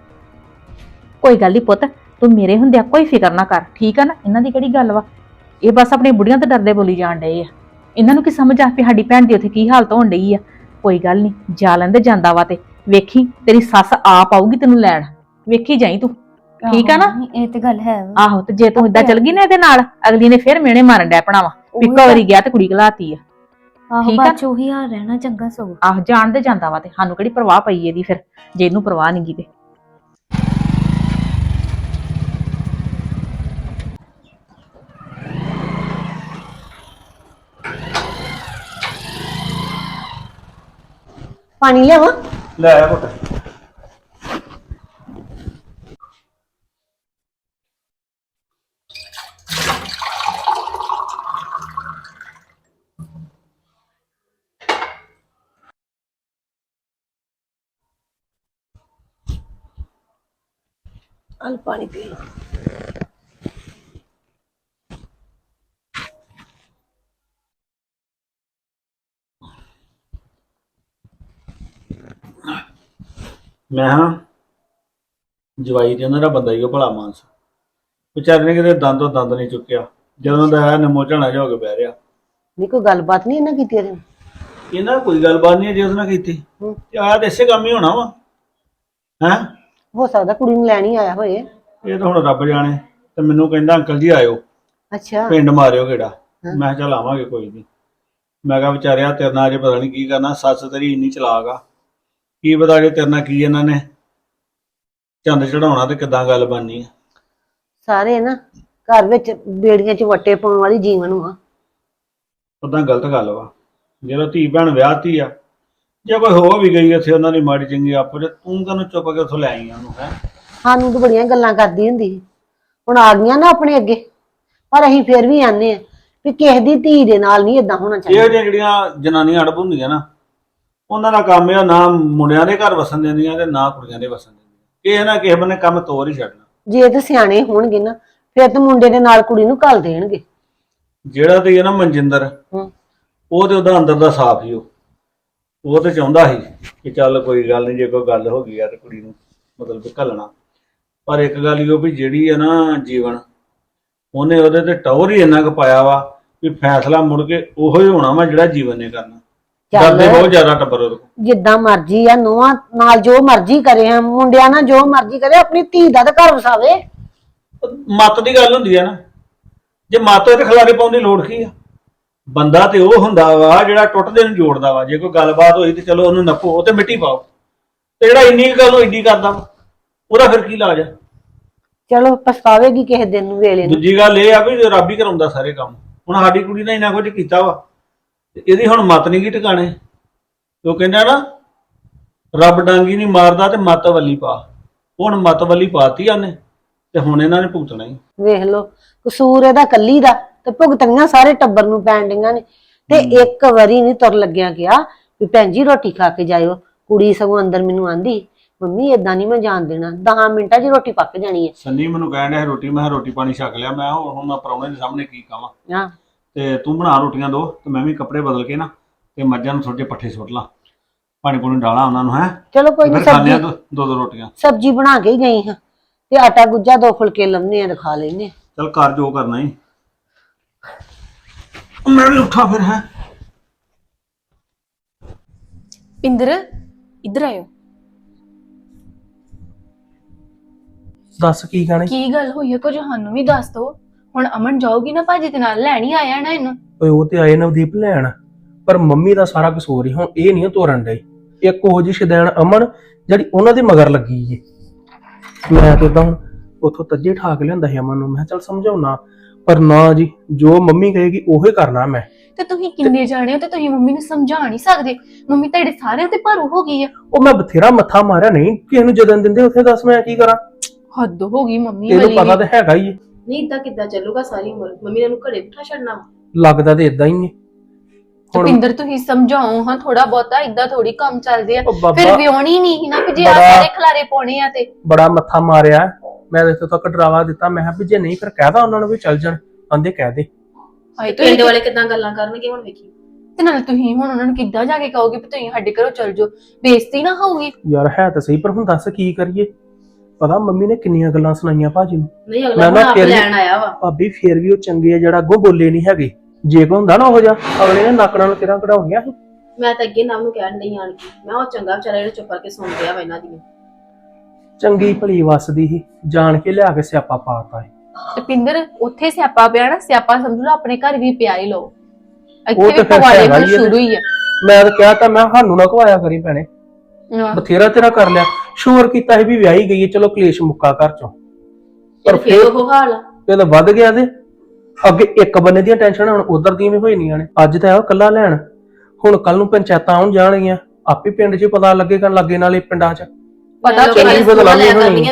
Speaker 6: ਕੋਈ ਗੱਲ ਨਹੀਂ ਪੁੱਤ, ਤੂੰ ਮੇਰੇ ਹੁੰਦਿਆਂ ਕੋਈ ਫਿਕਰ ਨਾ ਕਰ, ਠੀਕ ਆ ਨਾ? ਇਹਨਾਂ ਦੀ ਕਿਹੜੀ ਗੱਲ ਵਾ? ਇਹ ਬਸ ਆਪਣੀ ਬੁੜੀਆਂ ਤੇ ਡਰਦੇ ਬੋਲੀ ਜਾਣ ਡਏ ਆ। ਇਹਨਾਂ ਨੂੰ ਕੀ ਸਮਝ ਆ ਵੀ ਸਾਡੀ ਭੈਣ ਦੀ ਉੱਥੇ ਕੀ ਹਾਲਤ ਹੋਣ ਡਈ ਆ? ਕੋਈ ਗੱਲ ਨਹੀਂ, ਜਾ ਲੈਂਦੇ ਜਾਂਦਾ ਵਾ ਤੇ ਵੇਖੀ ਤੇਰੀ ਸੱਸ ਆਪ ਆਊਗੀ ਤੈਨੂੰ ਲੈਣ, ਵੇਖੀ ਜਾਈ ਤੂੰ, ਠੀਕ ਆ ਨਾ?
Speaker 5: ਇਹ ਤੇ ਗੱਲ ਹੈ।
Speaker 6: ਆਹੋ, ਤੇ ਜੇ ਤੂੰ ਏਦਾਂ ਚਲ ਗਈ ਨਾ ਇਹਦੇ ਨਾਲ, ਅਗਲੀ ਨੇ ਫਿਰ ਮਿਹਣੇ ਮਾਰਨ ਡੈ ਪਣਾ ਵਾ ਵੀ ਇੱਕ ਵਾਰੀ ਗਿਆ ਤੇ ਕੁੜੀ ਘਲਾਤੀ ਆ।
Speaker 5: ਆਹੋ
Speaker 6: ਠੀਕ ਆ?
Speaker 5: ਬਾਅਦ ਚ ਉਹੀ ਹਾਲ ਰਹਿਣਾ, ਚੰਗਾ ਸਗੋਂ।
Speaker 6: ਆਹ ਜਾਣਦੇ ਜਾਂਦਾ ਵਾ ਤੇ ਸਾਨੂੰ ਕਿਹੜੀ ਪਰਵਾਹ ਪਈ ਇਹਦੀ ਫਿਰ, ਜੇ ਇਹਨੂੰ ਪਰਵਾਹ ਨਹੀਂ ਗੀ ਤੇ।
Speaker 9: ਪਾਣੀ ਲਿਆਵਾਂ?
Speaker 3: ਲੈ ਆ ਪੁੱਤ।
Speaker 9: ਅਲ ਪਾਣੀ ਪੀ ਲਓ।
Speaker 3: ਮੈਂ ਹਾਂ ਜਵਾਈ ਤੇ ਉਹਨਾਂ ਦਾ ਬੰਦਾ ਹੀ ਉਹ ਭਲਾ ਮਾਨਸ, ਵਿਚਾਰੇ ਨੇ ਕਿਤੇ ਦੰਦੋਂ ਦੰਦ ਨਹੀਂ ਚੁੱਕਿਆ। ਜਦੋਂ ਦਾ ਆਇਆ ਨਮੋ ਝਾਣਾ ਜਾ ਹੋ ਕੇ ਬਹਿ ਰਿਹਾ।
Speaker 9: ਨਹੀਂ ਕੋਈ ਗੱਲਬਾਤ ਨਹੀਂ ਇਹਨਾਂ ਕੀਤੀ ਇਹਦੇ ਨਾਲ?
Speaker 3: ਇਹਨਾਂ ਕੋਈ ਗੱਲਬਾਤ ਨਹੀਂ ਜੇ ਉਹਦੇ ਨਾਲ ਕੀਤੀ ਤੇ ਆਇਆ ਤੇ ਇਸੇ ਕੰਮ ਹੀ ਹੋਣਾ ਵਾ। ਹੈਂ,
Speaker 9: ਹੋ ਸਕਦਾ ਕੁੜੀ ਨੂੰ ਲੈਣ ਹੀ ਆਇਆ ਹੋਏ।
Speaker 3: ਇਹ ਤਾਂ ਹੁਣ ਰੱਬ ਜਾਣੇ। ਤੇ ਮੈਨੂੰ ਕਹਿੰਦਾ ਅੰਕਲ ਜੀ ਆਇਓ,
Speaker 9: ਅੱਛਾ।
Speaker 3: ਪਿੰਡ ਮਾਰਿਓ ਗੇੜਾ। ਮੈਂ ਕਿਹਾ ਚੱਲ ਆਵਾਂਗੇ, ਕੋਈ ਨਹੀਂ। ਮੈਂ ਕਿਹਾ ਵਿਚਾਰਿਆ ਤੇਰੇ ਨਾਲ ਅਜੇ ਪਤਾ ਨਹੀਂ ਕੀ ਕਰਨਾ, ਸੱਸ ਤੇਰੀ ਇੰਨੀ ਚਲਾਕ ਆ, ਕੀ ਪਤਾ ਜੇ ਤੇਰੇ ਨਾਲ ਕੀ ਇਹਨਾਂ ਨੇ ਚੰਦ ਚੜਾਉਣਾ ਤੇ ਕਿੱਦਾਂ ਗੱਲ ਬਣਨੀ ਆ।
Speaker 9: ਸਾਰੇ ਨਾ ਘਰ ਵਿੱਚ ਬੇੜੀਆਂ 'ਚ ਵੱਟੇ ਪਾਉਣ ਵਾਲੀ ਜੀਵਨ ਆ।
Speaker 3: ਉਦਾਂ ਗਲਤ ਗੱਲ ਵਾ, ਜਦੋਂ ਧੀ ਭੈਣ ਵਿਆਹਤੀ ਆ, ਜੇ ਕੋਈ ਹੋ ਵੀ ਗਈ ਇੱਥੇ ਉਹਨਾਂ ਦੀ ਮਾੜੀ ਚੰਗੀ ਆਪੋ ਜੇ, ਤੂੰ ਤੈਨੂੰ ਚੁੱਪ ਕੇ ਉੱਥੋਂ ਲੈ ਆਈ ਉਹਨੂੰ। ਹੈ
Speaker 9: ਸਾਨੂੰ ਤਾਂ ਬੜੀਆਂ ਗੱਲਾਂ ਕਰਦੀ ਹੁੰਦੀ ਸੀ, ਹੁਣ ਆ ਗਈਆਂ ਨਾ ਆਪਣੇ ਅੱਗੇ, ਪਰ ਅਸੀਂ ਫਿਰ ਵੀ ਆਨੇ ਆ ਵੀ ਕਿਸੇ ਦੀ ਧੀ ਦੇ ਨਾਲ ਨਹੀਂ ਏਦਾਂ ਹੋਣਾ
Speaker 3: ਇਹੋ
Speaker 9: ਚਾਹੀਦਾ।
Speaker 3: ਜਿਹੀਆਂ ਜਿਹੜੀਆਂ ਜਨਾਨੀਆਂ ਅੜਬ ਹੁੰਦੀਆਂ ਨਾ, ਉਹਨਾਂ ਦਾ ਕੰਮ ਆ ਨਾ ਮੁੰਡਿਆਂ ਦੇ ਘਰ ਵਸਣ ਦਿੰਦੀਆਂ ਤੇ ਨਾ ਕੁੜੀਆਂ ਦੇ ਵਸਣ ਦਿੰਦੀਆਂ। ਕਿਸੇ ਨਾ ਕਿਸੇ ਬੰਨੇ ਕੰਮ ਤੋਰ ਹੀ ਛੱਡਣਾ।
Speaker 9: ਜੇ ਤੇ ਸਿਆਣੇ ਹੋਣਗੇ ਨਾ ਫਿਰ ਤੇ ਮੁੰਡੇ ਦੇ ਨਾਲ ਕੁੜੀ ਨੂੰ ਘੱਲ ਦੇਣਗੇ।
Speaker 3: ਜਿਹੜਾ ਤੇ ਨਾ ਮਨਜਿੰਦਰ, ਉਹ ਤੇ ਉਹਦਾ ਅੰਦਰ ਦਾ ਸਾਫ ਹੀ ਉਹ ਤੇ ਚਾਹੁੰਦਾ ਸੀ ਕਿ ਚੱਲ ਕੋਈ ਗੱਲ ਨਹੀਂ, ਜੇ ਕੋਈ ਗੱਲ ਹੋ ਗਈ ਆ ਤੇ ਕੁੜੀ ਨੂੰ ਮਤਲਬ ਕਿ ਘੱਲਣਾ। ਪਰ ਇੱਕ ਗੱਲ ਹੀ ਉਹ ਵੀ ਜਿਹੜੀ ਆ ਨਾ ਜੀਵਨ, ਉਹਨੇ ਉਹਦੇ ਤੇ ਟੌਰ ਹੀ ਇੰਨਾ ਕੁ ਪਾਇਆ ਵਾ ਵੀ ਫੈਸਲਾ ਮੁੜ ਕੇ ਉਹੋ ਹੀ ਹੋਣਾ ਵਾ ਜਿਹੜਾ ਜੀਵਨ ਨੇ ਕਰਨਾ। ਡਰਦੇ ਬਹੁਤ ਜ਼ਿਆਦਾ ਟੱਬਰ ਉਹਦੇ ਕੋਲ।
Speaker 9: ਜਿੱਦਾਂ ਮਰਜ਼ੀ ਆ, ਨੂੰਹਾਂ ਨਾਲ ਜੋ ਮਰਜ਼ੀ ਕਰੇ, ਆ ਮੁੰਡਿਆਂ ਨਾਲ ਜੋ ਮਰਜ਼ੀ ਕਰੇ, ਆਪਣੀ ਧੀ ਦਾ ਤਾਂ ਘਰ ਵਸਾਵੇ।
Speaker 3: ਮੱਤ ਦੀ ਗੱਲ ਹੁੰਦੀ ਆ ਨਾ, ਜੇ ਮੱਤ ਹੋਏ ਤੇ ਖਿਲਾਰੇ ਪਾਉਣ ਦੀ ਲੋੜ ਕੀ ਆ? ਬੰਦਾ ਤੇ ਉਹ ਹੁੰਦਾ ਵਾ ਜਿਹੜਾ ਟੁੱਟਦੇ ਨੂੰ ਜੋੜਦਾ ਵਾ। ਜੇ ਕੋਈ ਗੱਲਬਾਤ ਹੋਈ ਤੇ ਚਲੋ ਉਹਨੂੰ ਨੱਪੋ, ਉਹ ਤੇ ਮਿੱਟੀ ਪਾਓ। ਤੇ ਜਿਹੜਾ ਇੰਨੀ ਕੁ ਗੱਲ ਏਡੀ ਕਰਦਾ ਵਾ, ਉਹਦਾ ਫਿਰ ਕੀ ਇਲਾਜ ਆ?
Speaker 9: ਚਲੋ ਪਛਤਾਵੇਗੀ ਕਿਸੇ ਦਿਨ ਨੂੰ ਵੇਲੇ ਨੂੰ।
Speaker 3: ਦੂਜੀ ਗੱਲ ਇਹ ਆ ਵੀ ਰੱਬ ਹੀ ਕਰਾਉਂਦਾ ਸਾਰੇ ਕੰਮ। ਹੁਣ ਸਾਡੀ ਕੁੜੀ ਨੇ ਇੰਨਾ ਕੁਝ ਕੀਤਾ ਵਾ ਤੇ ਇਹਦੀ ਹੁਣ ਮੱਤ ਨਹੀਂ ਗੀ ਟਿਕਾਣੇ। ਉਹ ਕਹਿੰਦਾ ਨਾ, ਰੱਬ ਡਾਂਗੀ ਨਹੀਂ ਮਾਰਦਾ ਤੇ ਮੱਤ ਵੱਲੀ ਪਾ। ਹੁਣ ਮੱਤ ਵੱਲੀ ਪਾਤੀ ਉਹਨੇ ਤੇ ਹੁਣ ਇਹਨਾਂ ਨੇ ਭੁਗਤਣਾ ਹੀ।
Speaker 9: ਵੇਖ ਲਓ, ਕਸੂਰ ਇਹਦਾ ਕੱਲੀ ਦਾ ਤੇ ਭੁਗਤਣੀਆਂ ਸਾਰੇ ਟੱਬਰ ਨੂੰ ਪੈਣ ਡੀਆਂ ਨੇ। ਤੇ ਇੱਕ ਵਾਰੀ ਨਹੀਂ ਤੁਰ ਲੱਗਿਆ ਗਿਆ ਵੀ ਭੈਣ ਜੀ ਰੋਟੀ ਖਾ ਕੇ ਜਾਇਓ। ਕੁੜੀ ਸਗੋਂ ਅੰਦਰ ਮੈਨੂੰ ਆਂਦੀ, ਮੰਮੀ ਏਦਾਂ ਨਹੀਂ ਮੈਂ ਜਾਣ ਦੇਣਾ, 10 ਮਿੰਟਾਂ 'ਚ ਰੋਟੀ ਪੱਕ ਜਾਣੀ ਹੈ।
Speaker 3: ਸੰਨੀ ਮੈਨੂੰ ਕਹਿਣ ਡਿਆ ਰੋਟੀ, ਮੈਂ ਰੋਟੀ ਪਾਣੀ ਛਕ ਲਿਆ। ਮੈਂ ਹੁਣ ਮੈਂ ਪ੍ਰਾਹੁਣੇ ਦੇ ਸਾਹਮਣੇ ਕੀ ਕਵਾਂ?
Speaker 9: ਹਾਂ,
Speaker 3: ਤੇ ਤੂੰ ਬਣਾ ਰੋਟੀਆਂ ਦੋ ਤੇ ਮੈਂ ਵੀ ਕੱਪੜੇ ਬਦਲ ਕੇ ਨਾ ਤੇ ਮੱਝਾਂ ਨੂੰ ਥੋੜੇ ਜਿਹੇ ਪੱਠੇ ਸੁੱਟ ਲਾਂ, ਪਾਣੀ ਪੂਣੀ ਡਾਲਾਂ ਉਹਨਾਂ ਨੂੰ। ਹੈ
Speaker 9: ਚਲੋ ਕੋਈ ਨਹੀਂ,
Speaker 3: ਫਿਰ ਖਾਣੇ ਆ
Speaker 9: ਸਬਜ਼ੀ
Speaker 3: ਦੋ ਰੋਟੀਆਂ।
Speaker 9: ਸਬਜ਼ੀ ਬਣਾ ਕੇ ਹੀ ਗਈ ਹਾਂ ਤੇ ਆਟਾ ਗੁੱਜਾ 2 ਫੁਲਕੇ ਲਾਉਣੇ ਆ ਤੇ ਖਾ ਲੈਨੇ ਆ।
Speaker 3: ਚਲ ਕਰ ਜੋ ਕਰਨਾ ਹੀ। ਮੈਂ ਵੀ ਉੱਠਾ ਫਿਰ। ਹੈ
Speaker 8: ਪਿੰਦਰ ਇੱਧਰ ਆਇਓ।
Speaker 7: ਦੱਸ ਕੀ ਕਹਿਣਾ?
Speaker 8: ਕੀ ਗੱਲ ਹੋਈ ਹੈ ਕੁਝ ਸਾਨੂੰ ਵੀ ਦੱਸ ਦੋ। ਹੁਣ ਅਮਨ ਜਾਊਗੀ ਨਾ ਭਾਜੀ ਦੇ ਨਾਲ, ਲੈਣੀ ਆਇਆ ਨਾ ਇਹਨੂੰ।
Speaker 7: ਓਏ ਉਹ ਤੇ ਆਏ ਨਵਦੀਪ ਲੈਣ, ਪਰ ਮੰਮੀ ਦਾ ਸਾਰਾ ਕਸੂਰ ਹੀ ਹੁਣ ਇਹ ਨਹੀਂ ਤੋਰਨ ਡਈ। ਇੱਕ ਉਹ ਜਿਹੀ ਸ਼ਦੈਣ ਅਮਨ ਜਿਹੜੀ ਉਹਨਾਂ ਦੇ ਮਗਰ ਲੱਗੀ ਏ। ਮੈਂ ਤੇ ਤਾਂ ਉਥੋਂ ਤੱਜੇ ਠਾਕ ਲਿਆਂਦਾ ਸੀ ਅਮਨ ਨੂੰ, ਮੈਂ ਚੱਲ ਸਮਝਾਉਣਾ, ਪਰ ਨਾ ਜੀ, ਜੋ ਮੰਮੀ ਕਹੇਗੀ ਉਹੀ ਕਰਨਾ ਮੈਂ।
Speaker 8: ਤੇ ਤੁਸੀਂ ਕਿੰਨੇ ਜਾਣੇ ਹੋ ਤੇ ਤੁਸੀਂ ਮੰਮੀ ਨੂੰ ਸਮਝਾ ਨਹੀਂ ਸਕਦੇ? ਮੰਮੀ ਤੁਹਾਡੇ ਸਾਰਿਆਂ ਤੇ ਭਾਰੂ ਹੋ ਗਈ ਆ।
Speaker 7: ਉਹ ਮੈਂ ਬਥੇਰਾ ਮੱਥਾ ਮਾਰਿਆ, ਨਹੀਂ ਕਿਸੇ ਨੂੰ ਜਦਨ ਦਿੰਦੇ ਉੱਥੇ, ਦੱਸ ਮੈਂ ਕੀ ਕਰਾਂ?
Speaker 8: ਹੱਦ ਹੋ ਗਈ ਮੰਮੀ
Speaker 7: ਤੈਨੂੰ
Speaker 8: ਵਾਲੀ
Speaker 7: ਪਤਾ
Speaker 8: ਵੀ।
Speaker 7: ਤਾਂ ਹੈਗਾ ਹੀ ਏ।
Speaker 4: ਨਹੀਂ ਇਦਾਂ ਕਿੱਦਾਂ ਚੱਲੂਗਾ ਸਾਰੀ ਉਮਰ? ਮੰਮੀ ਨੇ ਇਹਨੂੰ ਘਰੇ ਬਿਠਾ ਛੱਡਣਾ ਵਾ?
Speaker 7: ਲੱਗਦਾ ਤੇ ਇਦਾਂ ਹੀ ਏ। ਹੁਣ
Speaker 8: ਪਿੰਦਰ ਤੁਸੀਂ ਸਮਝਾਓ ਹਾਂ ਥੋੜਾ ਬਹੁਤਾ, ਇਦਾਂ ਥੋੜੀ ਕੰਮ ਚੱਲਦੇ ਆ।
Speaker 7: ਉਹ ਬਾਬਾ
Speaker 8: ਫਿਰ ਵਿਆਹਣੀ ਨਹੀਂ ਨਾ ਕਿ ਜੇ ਆ
Speaker 7: ਬੜਾ-
Speaker 8: ਸਾਰੇ ਖਲਾਰੇ ਪਾਉਣੇ ਆ ਤੇ।
Speaker 7: ਬੜਾ ਮੱਥਾ ਮਾਰਿਆ ਮੈਂ, ਇੱਥੇ ਤੱਕ ਡਰਾਵਾ ਦਿੱਤਾ। ਮੈਂ ਕਿਹਾ ਵੀ ਜੇ ਨਹੀਂ ਫਿਰ ਕਹਿਦਾ ਉਹਨਾਂ ਨੂੰ ਵੀ ਚੱਲ ਜਾਣ, ਆਂਦੇ ਕਹਿ ਦੇ।
Speaker 8: ਹਾਏ
Speaker 4: ਪਿੰਡ
Speaker 8: ਤੁਸੀਂ
Speaker 4: ਵਾਲੇ ਕਿੱਦਾਂ ਗੱਲਾਂ ਕਰਨਗੇ ਹੁਣ ਵੇਖੀ।
Speaker 8: ਤੇ ਨਾਲ ਤੁਸੀਂ ਹੁਣ ਉਹਨਾਂ ਨੂੰ ਕਿੱਦਾਂ ਜਾ ਕੇ ਕਹੋਗੇ ਵੀ ਤੁਸੀਂ ਸਾਡੇ ਘਰੋਂ ਚੱਲ ਜਾਓ? ਬੇਇੱਜ਼ਤੀ ਨਾ ਹੋਊਗੀ?
Speaker 7: ਯਾਰ ਹੈ ਤਾਂ ਸਹੀ, ਪਰ ਹੁਣ ਦੱਸ ਕੀ ਕਰੀਏ? ਪਤਾ ਮੰਮੀ ਨੇ ਕਿੰਨੀਆਂ ਗੱਲਾਂ ਸੁਣਾਈਆਂ ਭਾਜੀ ਨੂੰ।
Speaker 4: ਨਹੀਂ
Speaker 7: ਮੈਂ
Speaker 4: ਅਗਲਾ
Speaker 7: ਨਾ
Speaker 4: ਹੁਣ ਆਪ
Speaker 7: ਫਿਰ ਵੀ-
Speaker 4: ਲੈਣ ਆਇਆ ਵਾ।
Speaker 7: ਭਾਬੀ ਫੇਰ ਵੀ ਉਹ ਚੰਗੇ ਆ ਜਿਹੜਾ ਅੱਗੋਂ ਬੋਲੇ ਨਹੀਂ ਹੈਗੇ। ਜੇ ਕੋ ਹੁੰਦਾ ਨਾ ਉਹ ਜਾ, ਅਗਲੇ ਨੇ ਨੱਕ ਨਾਲ ਕਿਰਾਂ ਕਢਾਉਣੀਆਂ ਸੀ।
Speaker 4: ਮੈਂ ਤਾਂ ਅੱਗੇ ਨਾਮ ਨੂੰ ਕਹਿਣ ਨਹੀਂ ਆਣ ਕੇ, ਮੈਂ ਉਹ ਚੰਗਾ ਵਿਚਾਰਾ ਜਿਹੜਾ ਚੁੱਪ ਕਰਕੇ ਸੁਣ ਰਿਹਾ ਵਾ ਇਹਨਾਂ ਦੀਆਂ।
Speaker 7: ਚੰਗੀ ਭਲੀ ਵਸਦੀ ਸੀ, ਜਾਣ ਕੇ ਲਿਆ ਕੇ ਸਿਆਪਾ ਪਾਤਾ ਹੈ।
Speaker 8: ਤੇ ਪਿੰਦਰ ਉੱਥੇ ਸਿਆਪਾ ਪਿਆ ਨਾ, ਸਿਆਪਾ ਸਮਝ ਲਓ ਆਪਣੇ ਘਰ ਵੀ ਪਿਆ ਹੀ ਲਓ।
Speaker 7: ਉਹ
Speaker 8: ਇੱਥੇ
Speaker 7: ਤੇ
Speaker 8: ਵੀ
Speaker 7: ਫਿਰ
Speaker 8: ਪਵਾੜੇ
Speaker 7: ਹੈਗਾ
Speaker 8: ਹੁਣ
Speaker 7: ਹੀ ਆ।
Speaker 8: ਸ਼ੁਰੂ ਹੀ ਆ।
Speaker 7: ਮੈਂ ਤਾਂ ਕਿਹਾ ਤਾਂ, ਮੈਂ ਸਾਨੂੰ ਨਾ ਖਵਾਇਆ ਕਰੀ ਭੈਣੇ, ਬਥੇਰਾ ਤੇਰਾ ਕਰ ਲਿਆ। ਸ਼ੋਰ ਕੀਤਾ ਸੀ ਵੀ ਵਿਆਹੀ ਗਈ ਹੈ, ਚਲੋ ਕਲੇਸ਼ ਮੁੱਕਾ ਘਰ ਚੋਂ, ਪਰ
Speaker 4: ਫਿਰ
Speaker 7: ਫਿਰ
Speaker 4: ਉਹ ਹਾਲ ਆ।
Speaker 7: ਇਹ ਤਾਂ ਵੱਧ ਗਿਆ। ਤੇ ਅੱਗੇ ਇੱਕ ਬੰਨੇ ਦੀਆਂ ਟੈਨਸ਼ਨਾਂ ਹੁਣ ਉਧਰ ਦੀਆਂ ਵੀ ਹੋਈਆਂ ਨੇ। ਅੱਜ ਤਾਂ ਆਇਆ ਕੱਲਾ ਲੈਣ, ਹੁਣ ਕੱਲ ਨੂੰ ਪੰਚਾਇਤਾਂ ਆਉਣ ਜਾਣਗੀਆਂ, ਆਪੇ ਪਿੰਡ 'ਚ ਪਤਾ ਲੱਗੇਗਾ, ਲਾਗੇ ਨਾਲੇ ਪਿੰਡਾਂ 'ਚ।
Speaker 8: ਪਤਾ
Speaker 7: ਚੰਗੀ ਬਦਨਾਮੀ ਹੋਣੀ।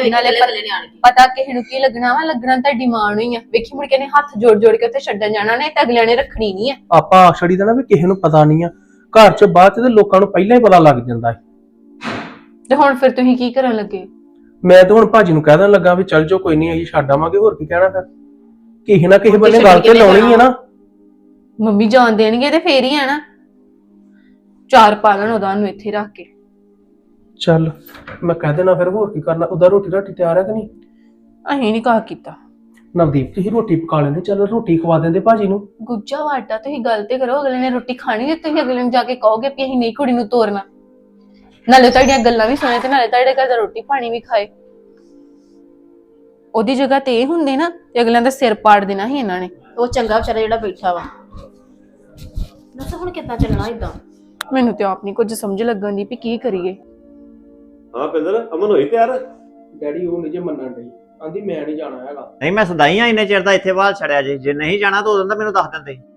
Speaker 8: ਪਤਾ ਕਿਸੇ ਨੂੰ ਕੀ ਲੱਗਣਾ ਵਾ? ਲੱਗਣਾ ਤਾਂ ਡਿਮਾਂਡ ਹੋਈ ਆ। ਵੇਖੀ ਮੁੜ ਕੇ ਨੇ ਹੱਥ ਜੋੜ ਜੋੜ ਕੇ ਉੱਥੇ ਛੱਡਣ ਜਾਣਾ ਨੇ, ਤੇ ਅਗਲਿਆਂ ਨੇ ਰੱਖਣੀ ਨਹੀਂ ਆ।
Speaker 7: ਆਪਾਂ ਆਖੜੀ ਦਾ ਨਾ ਵੀ ਕਿਸੇ ਨੂੰ ਪਤਾ ਨਹੀਂ ਆ, ਘਰ 'ਚ ਬਾਅਦ 'ਚ ਤੇ ਲੋਕਾਂ ਨੂੰ ਪਹਿਲਾਂ ਹੀ ਪਤਾ ਲੱਗ ਜਾਂਦਾ ਹੈ।
Speaker 8: ਤੇ ਹੁਣ ਫਿਰ ਤੁਸੀਂ ਕੀ ਕਰਨ ਲੱਗੇ?
Speaker 7: ਮੈਂ ਤਾਂ ਹੁਣ ਭਾਜੀ ਨੂੰ ਕਹਿ ਦੇਣ ਲੱਗਾ ਵੀ ਚੱਲ ਜਾਓ, ਕੋਈ ਨਹੀਂ ਅਸੀਂ ਛੱਡ ਆਵਾਂਗੇ। ਹੋਰ ਕੀ ਕਹਿਣਾ? ਫਿਰ ਕਿਸੇ ਨਾ ਕਿਸੇ ਬੰਨੇ ਗੱਲ ਤੇ ਲਾਉਣੀ ਹੈ ਨਾ।
Speaker 8: ਮੰਮੀ ਜਾਣ ਦੇਣਗੇ ਤੇ ਫੇਰ ਹੀ ਆ ਨਾ। ਚਾਰ ਪਾਲਣ ਉਹਦਾ ਨੂੰ ਇੱਥੇ ਰੱਖ ਕੇ।
Speaker 7: ਚੱਲ ਮੈਂ ਕਹਿ ਦੇਣਾ, ਫਿਰ ਹੋਰ ਕੀ ਕਰਨਾ? ਉਹਦਾ ਰੋਟੀ ਰਾਟੀ ਤਿਆਰ ਹੈ ਕਿ ਨਹੀਂ?
Speaker 8: ਅਸੀਂ ਨਹੀਂ ਕਹਾ ਕੀਤਾ।
Speaker 7: ਨਵਦੀਪ ਤੁਸੀਂ ਰੋਟੀ ਪਕਾ ਲੈਂਦੇ, ਚੱਲ ਰੋਟੀ ਖਵਾ ਦਿੰਦੇ ਭਾਜੀ ਨੂੰ।
Speaker 8: ਗੁੱਜਾ ਵਾਟਾ ਤੁਸੀਂ ਗੱਲ ਤੇ ਕਰੋ। ਅਗਲੇ ਨੇ ਰੋਟੀ ਖਾਣੀ ਤੇ ਤੁਸੀਂ ਅਗਲੇ ਨੂੰ ਜਾ ਕੇ ਕਹੋਗੇ ਵੀ ਅਸੀਂ ਨਹੀਂ ਕੁੜੀ ਨੂੰ ਤੋਰਨਾ। ਨਾਲੇ ਤੁਹਾਡੀਆਂ ਗੱਲਾਂ ਵੀ ਸੁਣੇ ਤੇ ਨਾਲੇ ਤੁਹਾਡੇ ਘਰ ਦਾ ਰੋਟੀ ਪਾਣੀ ਵੀ ਖਾਏ। ਉਹਦੀ ਜਗ੍ਹਾ ਤੇ ਇਹ ਹੁੰਦੇ ਨਾ ਤੇ ਅਗਲਿਆਂ ਦਾ ਸਿਰ ਪਾੜ ਦੇਣਾ ਸੀ ਇਹਨਾਂ ਨੇ।
Speaker 4: ਉਹ ਚੰਗਾ ਵਿਚਾਰਾ ਜਿਹੜਾ ਬੈਠਾ ਵਾ। ਦੱਸ ਹੁਣ ਕਿੱਦਾਂ ਚੱਲਣਾ ਇਦਾਂ?
Speaker 8: ਮੈਨੂੰ ਤੇ ਆਪ ਨਹੀਂ ਕੁਝ ਸਮਝ ਲੱਗਣ ਦੀ ਵੀ ਕੀ ਕਰੀਏ।
Speaker 3: ਹਾਂ ਪਿੰਦਰ, ਅਮਨ ਹੋਈ ਤਿਆਰ?
Speaker 7: ਡੈਡੀ ਉਹ ਨਹੀਂ ਜੇ ਮੰਨਣ ਡਈ, ਆਂਦੀ ਮੈਂ ਨਹੀਂ ਜਾਣਾ ਹੈਗਾ।
Speaker 1: ਨਹੀਂ ਮੈਂ ਸਦਾਈ ਆ ਇੰਨੇ ਚਿਰ ਦਾ ਇੱਥੇ ਬਾਹਰ ਛੜਿਆ ਜੇ ਨਹੀਂ ਜਾਣਾ ਤਾਂ ਉਦੋਂ ਤਾਂ ਮੈਨੂੰ ਦੱਸ ਦਿੰਦੇ।